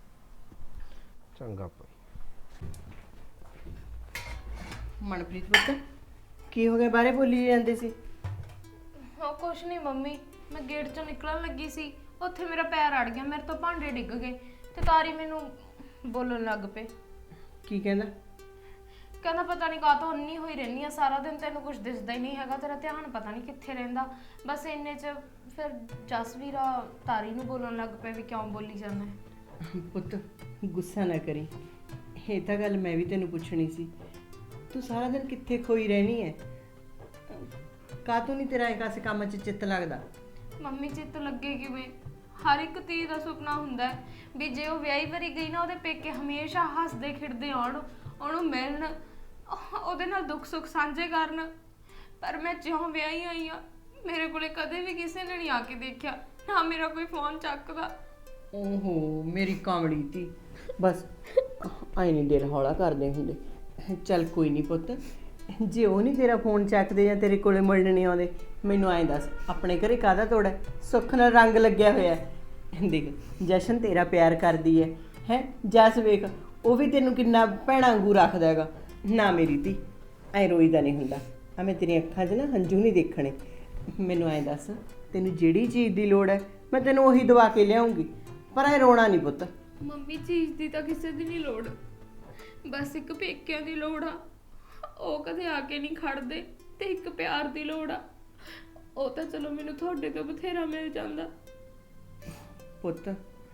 Speaker 7: ਚੰਗਾ ਭਾਈ।
Speaker 2: ਮਨਪ੍ਰੀਤ ਪੁੱਤ ਕੀ ਹੋ ਗਿਆ, ਬਾਰੇ ਬੋਲੀ ਜਾਂਦੇ ਸੀ?
Speaker 3: ਹਾਂ ਕੁਛ ਨਹੀਂ ਮੰਮੀ, ਮੈਂ ਗੇਟ ਚੋਂ ਨਿਕਲਣ ਲੱਗੀ ਸੀ, ਉੱਥੇ ਮੇਰਾ ਪੈਰ ਅੜ ਗਿਆ, ਮੇਰੇ ਤੋਂ ਭਾਂਡੇ ਡਿੱਗ ਗਏ ਤੇ ਤਾਰੀ ਮੈਨੂੰ ਬੋਲਣ ਲੱਗ ਪਏ।
Speaker 2: ਕੀ ਕਹਿੰਦਾ?
Speaker 3: ਕਹਿੰਦਾ ਪਤਾ ਨਹੀਂ ਕਾਹ ਤੋਂ ਅੰਨੀ ਹੋਈ ਰਹਿੰਦੀ ਆ ਸਾਰਾ ਦਿਨ, ਤੈਨੂੰ ਕੁਝ ਦਿਸਦਾ ਹੀ ਨਹੀਂ ਹੈਗਾ, ਤੇਰਾ ਧਿਆਨ ਪਤਾ ਨਹੀਂ ਕਿੱਥੇ ਰਹਿੰਦਾ। ਬਸ ਇੰਨੇ ਚ ਫਿਰ ਜਸਵੀਰਾ ਤਾਰੀ ਨੂੰ ਬੋਲਣ ਲੱਗ ਪਿਆ ਵੀ ਕਿਉਂ ਬੋਲੀ ਜਾਂਦਾ ਹੈ।
Speaker 2: ਪੁੱਤ ਗੁੱਸਾ ਨਾ ਕਰੀ, ਇਹ ਤਾਂ ਗੱਲ ਮੈਂ ਵੀ ਤੈਨੂੰ ਪੁੱਛਣੀ ਸੀ। ਤੂੰ ਸਾਰਾ ਦਿਨ ਕਿੱਥੇ ਖੋਈ ਰਹਿਣੀ ਹੈ? ਕਾਹਤੋਂ ਨਹੀਂ ਤੇਰਾ ਇੱਕ ਆਸੇ ਕੰਮ 'ਚ ਚਿੱਤ ਲੱਗਦਾ?
Speaker 3: ਮੰਮੀ ਚਿੱਤ ਲੱਗੇ ਕਿਵੇਂ? ਹਰ ਇੱਕ ਧੀ ਦਾ ਸੁਪਨਾ ਹੁੰਦਾ ਹੈ ਵੀ ਜੇ ਉਹ ਵਿਆਹੀ ਵਰੀ ਗਈ ਨਾ, ਉਹਦੇ ਪੇਕੇ ਹਮੇਸ਼ਾ ਹੱਸਦੇ ਖੇਡਦੇ ਆਉਣ, ਉਹਨੂੰ ਮਿਲਣ, ਉਹਦੇ ਨਾਲ ਦੁੱਖ ਸੁੱਖ ਸਾਂਝੇ ਕਰਨ। ਪਰ ਮੈਂ ਜਿਉਂ ਵਿਆਹੀ ਆਈ ਆ, ਮੇਰੇ ਕੋਲੇ ਕਦੇ ਵੀ ਕਿਸੇ ਨੇ ਨਹੀਂ ਆ ਕੇ ਦੇਖਿਆ, ਨਾ ਮੇਰਾ ਕੋਈ ਫੋਨ ਚੱਕਦਾ।
Speaker 2: ਓਹੋ ਮੇਰੀ ਕਾਮੜੀ ਤੀ, ਬਸ ਆਈ ਨਹੀਂ ਦਿਲ ਹੌਲਾ ਕਰਦੇ ਹੁੰਦੇ। ਚੱਲ ਕੋਈ ਨਹੀਂ ਪੁੱਤ, ਜੇ ਉਹ ਨਹੀਂ ਤੇਰਾ ਫੋਨ ਚੱਕਦੇ ਜਾਂ ਤੇਰੇ ਕੋਲੇ ਮਿਲਣ ਨਹੀਂ ਆਉਂਦੇ, ਮੈਨੂੰ ਐਂ ਦੱਸ ਆਪਣੇ ਘਰੇ ਕਾਹਦਾ ਤੋੜਾ? ਸੁੱਖ ਨਾਲ ਰੰਗ ਲੱਗਿਆ ਹੋਇਆ। ਦੇਖ ਜਸ਼ਨ ਤੇਰਾ ਪਿਆਰ ਕਰਦੀ ਹੈ ਹੈ, ਜਸ ਵੇਖ ਉਹ ਵੀ ਤੈਨੂੰ ਕਿੰਨਾ ਭੈਣਾਂ ਵਾਂਗੂ ਰੱਖਦਾ ਹੈਗਾ। ਨਾ ਮੇਰੀ ਧੀ ਐਂ ਰੋਈਦਾ ਨਹੀਂ ਹੁੰਦਾ, ਆ ਮੈਂ ਤੇਰੀਆਂ ਅੱਖਾਂ 'ਚ ਨਾ ਹੰਝੂ ਨਹੀਂ ਦੇਖਣੇ। ਮੈਨੂੰ ਐਂ ਦੱਸ ਤੈਨੂੰ ਜਿਹੜੀ ਚੀਜ਼ ਦੀ ਲੋੜ ਹੈ ਮੈਂ ਤੈਨੂੰ ਉਹੀ ਦਵਾ ਕੇ ਲਿਆਉਂਗੀ, ਪਰ ਐ ਰੋਣਾ ਨਹੀਂ ਪੁੱਤ।
Speaker 3: ਮੰਮੀ ਚੀਜ਼ ਦੀ ਤਾਂ ਕਿਸੇ ਦੀ ਨਹੀਂ ਲੋੜ, ਬਸ ਇੱਕ ਪੇਕਿਆਂ ਦੀ ਲੋੜ ਆ, ਉਹ ਕਦੇ ਆ ਕੇ ਨਹੀਂ ਖੜਦੇ, ਤੇ ਇੱਕ ਪਿਆਰ ਦੀ ਲੋੜ ਆ, ਉਹ ਤਾਂ ਚਲੋ ਮੈਨੂੰ ਤੁਹਾਡੇ ਤੋਂ ਬਥੇਰਾ ਮਿਲ ਜਾਂਦਾ।
Speaker 2: ਪੁੱਤ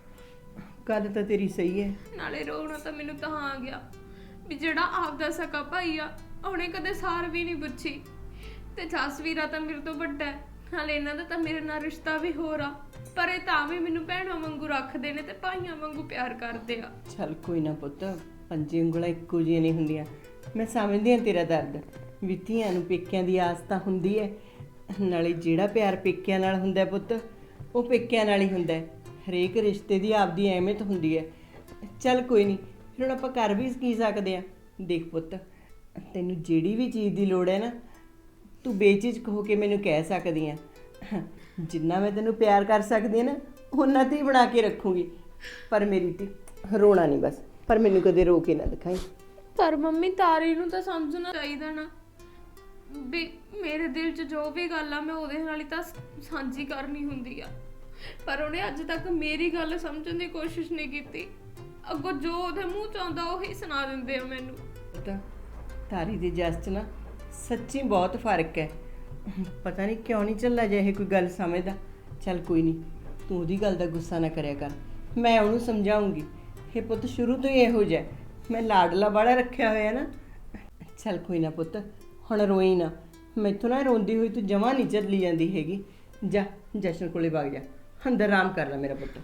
Speaker 2: ਗੱਲ ਤਾਂ ਤੇਰੀ ਸਹੀ ਹੈ,
Speaker 3: ਨਾਲੇ ਰੋਣਾ ਤਾਂ ਮੈਨੂੰ ਤਾਂ ਆ ਗਿਆ ਵੀ ਜਿਹੜਾ ਆਪਦਾ ਸਕਾ ਭਾਈ ਆ, ਉਹਨੇ ਕਦੇ ਸਾਰ ਵੀ ਨਹੀਂ ਪੁੱਛੀ, ਤੇ ਜਸਵੀਰਾ ਤਾਂ ਮੇਰੇ ਤੋਂ ਵੱਡਾ ਹੈ, ਨਾਲੇ ਇਹਨਾਂ ਦਾ ਤਾਂ ਮੇਰੇ ਨਾਲ ਰਿਸ਼ਤਾ ਵੀ ਹੋਰ ਆ, ਪਰ ਇਹ ਤਾਂ ਵੀ ਮੈਨੂੰ ਭੈਣਾਂ ਵਾਂਗੂ ਰੱਖਦੇ ਨੇ ਤੇ ਭਾਈਆਂ ਵਾਂਗੂ ਪਿਆਰ ਕਰਦੇ ਆ।
Speaker 2: ਚੱਲ ਕੋਈ ਨਾ ਪੁੱਤ, ਪੰਜੇ ਉਂਗਲਾਂ ਇੱਕੋ ਜਿਹੀਆਂ ਨਹੀਂ ਹੁੰਦੀਆਂ। ਮੈਂ ਸਮਝਦੀ ਹਾਂ ਤੇਰਾ ਦਰਦ, ਵੀ ਧੀਆਂ ਨੂੰ ਪੇਕਿਆਂ ਦੀ ਆਸ ਤਾਂ ਹੁੰਦੀ ਹੈ, ਨਾਲੇ ਜਿਹੜਾ ਪਿਆਰ ਪੇਕਿਆਂ ਨਾਲ ਹੁੰਦਾ ਪੁੱਤ ਉਹ ਪੇਕਿਆਂ ਨਾਲ ਹੀ ਹੁੰਦਾ। ਹਰੇਕ ਰਿਸ਼ਤੇ ਦੀ ਆਪਦੀ ਅਹਿਮੀਅਤ ਹੁੰਦੀ ਹੈ। ਚੱਲ ਕੋਈ ਨਹੀਂ, ਫਿਰ ਹੁਣ ਆਪਾਂ ਕਰ ਵੀ ਕੀ ਸਕਦੇ ਹਾਂ। ਦੇਖ ਪੁੱਤ, ਤੈਨੂੰ ਜਿਹੜੀ ਵੀ ਚੀਜ਼ ਦੀ ਲੋੜ ਹੈ ਨਾ, ਤੂੰ ਬੇਝਿਜਕ ਹੋ ਕੇ ਮੈਨੂੰ ਕਹਿ ਸਕਦੀ ਆ ਜਿੰਨਾ ਮੈਂ ਤੈਨੂੰ ਪਿਆਰ ਕਰ ਸਕਦੀ ਆ ਨਾ ਉਹਨਾਂ ਤੇ ਹੀ ਬਣਾ ਕੇ ਰੱਖੂੰਗੀ। ਪਰ ਮੇਰੀ ਧੀ ਰੋਣਾ ਨਹੀਂ ਬਸ, ਪਰ ਮੈਨੂੰ ਕਦੇ ਰੋ ਕੇ ਨਾ ਦਿਖਾਈ।
Speaker 3: ਪਰ ਮੰਮੀ ਤਾਰੀ ਨੂੰ ਤਾਂ ਸਮਝਣਾ ਚਾਹੀਦਾ ਨਾ ਵੀ ਮੇਰੇ ਦਿਲ 'ਚ ਜੋ ਵੀ ਗੱਲ ਆ ਮੈਂ ਉਹਦੇ ਨਾਲ ਹੀ ਤਾਂ ਸਾਂਝੀ ਕਰਨੀ ਹੁੰਦੀ ਆ। ਪਰ ਉਹਨੇ ਅੱਜ ਤੱਕ ਮੇਰੀ ਗੱਲ ਸਮਝਣ ਦੀ ਕੋਸ਼ਿਸ਼ ਨਹੀਂ ਕੀਤੀ। ਅੱਗੋਂ ਜੋ ਉਹਦੇ ਮੂੰਹ 'ਚ ਆਉਂਦਾ ਉਹੀ ਸੁਣਾ ਦਿੰਦੇ ਆ ਮੈਨੂੰ।
Speaker 2: ਪਤਾ ਤਾਰੀ ਦੀ ਜਸ 'ਚ ਨਾ ਸੱਚੀ ਬਹੁਤ ਫਰਕ ਹੈ। ਪਤਾ ਨਹੀਂ ਕਿਉਂ ਨਹੀਂ ਚੱਲਾ ਜੇ ਇਹ ਕੋਈ ਗੱਲ ਸਮਝਦਾ। ਚੱਲ ਕੋਈ ਨਹੀਂ, ਤੂੰ ਉਹਦੀ ਗੱਲ ਦਾ ਗੁੱਸਾ ਨਾ ਕਰਿਆ ਕਰ, ਮੈਂ ਉਹਨੂੰ ਸਮਝਾਉਂਗੀ। ਇਹ ਪੁੱਤ ਸ਼ੁਰੂ ਤੋਂ ਹੀ ਇਹੋ ਜਿਹਾ, ਮੈਂ ਲਾਡਲਾ ਬਾੜਾ ਰੱਖਿਆ ਹੋਇਆ ਨਾ। ਚੱਲ ਕੋਈ ਨਾ ਪੁੱਤ, ਹੁਣ ਰੋਈ ਨਾ। ਮੈਥੋਂ ਨਾ ਰੋਂਦੀ ਹੋਈ ਤੂੰ ਜਮਾਂ ਨਹੀਂ ਚੱਲੀ ਜਾਂਦੀ ਹੈਗੀ। ਜਾ ਜਸ਼ਨ ਕੋਲੇ ਵਗ ਜਾ, ਅੰਦਰ ਆਰਾਮ ਕਰ ਲੈ ਮੇਰਾ ਪੁੱਤ।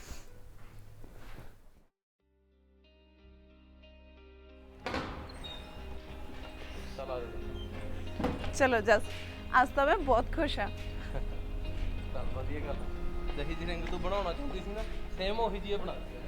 Speaker 1: ਚਲੋ ਜਸ, ਅੱਜ ਤਾਂ ਮੈਂ ਬਹੁਤ ਖੁਸ਼ ਹਾਂ।
Speaker 4: ਚੱਲ ਵਧੀਆ ਗੱਲ। ਜਿਹੀ ਜਿਹੀ ਰਿੰਗ ਤੂੰ ਬਣਾਉਣਾ ਚਾਹੁੰਦੀ ਸੀ ਨਾ ਸੇਮ ਉਹੀ ਜਿਹੀ ਬਣਾ ਦਿੱਤੀ।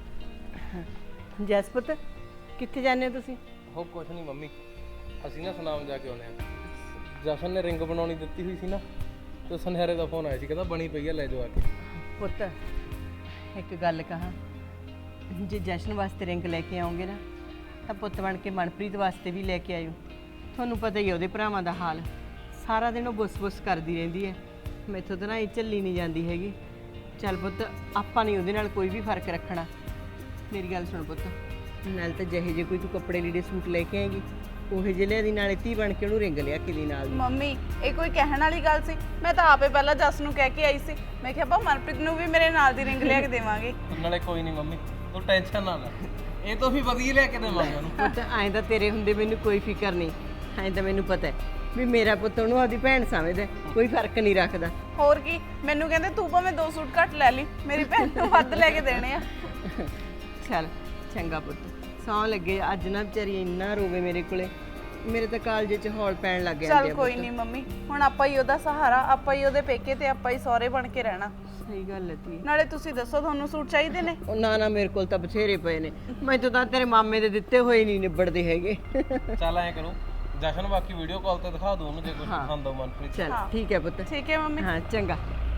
Speaker 2: ਜਸ ਪੁੱਤ ਕਿੱਥੇ ਜਾਂਦੇ ਹੋ ਤੁਸੀਂ?
Speaker 4: ਉਹ ਕੁਛ ਨਹੀਂ ਮੰਮੀ, ਅਸੀਂ ਨਾ ਸੁਨਾਮ ਜਾ ਕੇ ਆਉਣੇ ਆ। ਜਸ਼ਨ ਨੇ ਰਿੰਗ ਬਣਾਉਣੀ ਦਿੱਤੀ ਹੋਈ ਸੀ ਨਾ, ਤੇ ਸੁਨਹਿਰੇ ਦਾ ਫੋਨ ਆਇਆ ਸੀ, ਕਹਿੰਦਾ ਬਣੀ ਪਈ ਆ ਲੈ ਜਾਓ ਆ ਕੇ।
Speaker 2: ਪੁੱਤ ਇੱਕ ਗੱਲ ਕਹਾਂ, ਜੇ ਜਸ਼ਨ ਵਾਸਤੇ ਰਿੰਗ ਲੈ ਕੇ ਆਉਂਗੇ ਨਾ ਤਾਂ ਪੁੱਤ ਬਣ ਕੇ ਮਨਪ੍ਰੀਤ ਵਾਸਤੇ ਵੀ ਲੈ ਕੇ ਆਇਓ। ਤੁਹਾਨੂੰ ਪਤਾ ਹੀ ਹੈ ਉਹਦੇ ਭਰਾਵਾਂ ਦਾ ਹਾਲ, ਸਾਰਾ ਦਿਨ ਉਹ ਬੁੱਸ-ਬੁੱਸ ਕਰਦੀ ਰਹਿੰਦੀ ਹੈ। ਮੈਥੋਂ ਤਾਂ ਨਾ ਇਹ ਝੱਲੀ ਨਹੀਂ ਜਾਂਦੀ ਹੈਗੀ। ਚੱਲ ਪੁੱਤ ਆਪਾਂ ਨਹੀਂ ਉਹਦੇ ਨਾਲ ਕੋਈ ਵੀ ਫਰਕ ਰੱਖਣਾ। ਮੇਰੀ ਗੱਲ ਸੁਣ ਪੁੱਤ, ਨਾਲ ਤਾਂ ਜਿਹੇ ਜੇ ਕੋਈ ਤੂੰ ਕੱਪੜੇ ਲੀੜੇ ਸੂਟ ਲੈ ਕੇ ਆਏਗੀ ਉਹੇ ਜਿਹੇ ਲਿਆ ਦੀ, ਨਾਲੇ ਧੀ ਬਣ ਕੇ ਉਹਨੂੰ ਰਿੰਗ ਲਿਆ ਕੇ ਦੀ ਨਾਲ।
Speaker 1: ਮੰਮੀ ਇਹ ਕੋਈ ਕਹਿਣ ਵਾਲੀ ਗੱਲ ਸੀ? ਮੈਂ ਤਾਂ ਆਪੇ ਪਹਿਲਾਂ ਜਸ ਨੂੰ ਕਹਿ ਕੇ ਆਈ ਸੀ, ਮੈਂ ਕਿਹਾ ਬਾ ਮਨਪ੍ਰੀਤ ਨੂੰ ਵੀ ਮੇਰੇ ਨਾਲ ਦੀ ਰਿੰਗ ਲਿਆ ਕੇ ਦੇਵਾਂਗੇ।
Speaker 4: ਨਾਲੇ ਕੋਈ ਨਹੀਂ ਮੰਮੀ, ਤੂੰ ਟੈਨਸ਼ਨ ਨਾ ਲੈ, ਇਹ ਤੋਂ ਵੀ ਵਧੀਆ ਲੈ ਕੇ ਦੇਵਾਂਗੇ ਉਹਨੂੰ।
Speaker 2: ਪੁੱਤ ਐਂ ਤਾਂ ਤੇਰੇ ਹੁੰਦੇ ਮੈਨੂੰ ਕੋਈ ਫਿਕਰ ਨਹੀਂ। ਐਂ ਤਾਂ ਮੈਨੂੰ ਪਤਾ ਹੈ ਵੀ ਮੇਰਾ ਪੁੱਤ ਉਹਨੂੰ ਆਪਦੀ ਭੈਣ ਸਮਝਦਾ, ਕੋਈ ਫਰਕ ਨਹੀਂ ਰੱਖਦਾ।
Speaker 1: ਹੋਰ ਕੀ, ਮੈਨੂੰ ਕਹਿੰਦੇ ਤੂੰ ਭਾਵੇਂ ਦੋ ਸੂਟ ਘੱਟ ਲੈ ਲਈ, ਮੇਰੀ ਭੈਣ ਨੂੰ ਵੱਧ ਲੈ ਕੇ ਦੇਣੇ ਆ।
Speaker 2: ਚੱਲ ਚੰਗਾ ਪੁੱਤ, ਸੌਂ ਲੱਗੇ। ਅੱਜ ਨਾ ਵਿਚਾਰੀ ਇੰਨਾ ਰੋਵੇ ਮੇਰੇ ਕੋਲੇ, ਮੇਰੇ ਤਾਂ ਕਾਲਜੇ 'ਚ ਹੌਲ ਪੈਣ ਲੱਗ ਜਾਂਦੇ ਆ।
Speaker 1: ਚੱਲ ਕੋਈ ਨਹੀਂ ਮੰਮੀ, ਹੁਣ ਆਪਾਂ ਹੀ ਉਹਦਾ ਸਹਾਰਾ, ਆਪਾਂ ਹੀ ਉਹਦੇ ਪੇਕੇ ਤੇ ਆਪਾਂ ਹੀ ਸਹੁਰੇ ਬਣ ਕੇ ਰਹਿਣਾ।
Speaker 2: ਸਹੀ ਗੱਲ ਹੈ ਤੀ।
Speaker 1: ਨਾਲੇ ਤੁਸੀਂ ਦੱਸੋ ਤੁਹਾਨੂੰ ਸੂਟ ਚਾਹੀਦੇ ਨੇ?
Speaker 2: ਉਹ ਨਾ ਨਾ ਮੇਰੇ ਕੋਲ ਤਾਂ ਬਥੇਰੇ ਪਏ ਨੇ, ਮੈਨੂੰ ਤਾਂ ਤੇਰੇ ਮਾਮੇ ਦੇ ਦਿੱਤੇ ਹੋਏ ਨਹੀਂ ਨਿਬੜਦੇ ਹੈਗੇ।
Speaker 4: ਚੱਲ ਐਂ ਕਰੋ, ਜਸ਼ਨ ਬਾਕੀ ਵੀਡੀਓ ਕਾਲ ਤੇ ਦਿਖਾ ਦੋ ਉਹਨੂੰ ਜੇ ਕੁਝ ਪਸੰਦ ਆ ਮਨਪ੍ਰੀਤ।
Speaker 2: ਚੱਲ ਠੀਕ ਹੈ ਪੁੱਤ।
Speaker 1: ਠੀਕ ਹੈ ਮੰਮੀ।
Speaker 2: ਹਾਂ ਚੰਗਾ।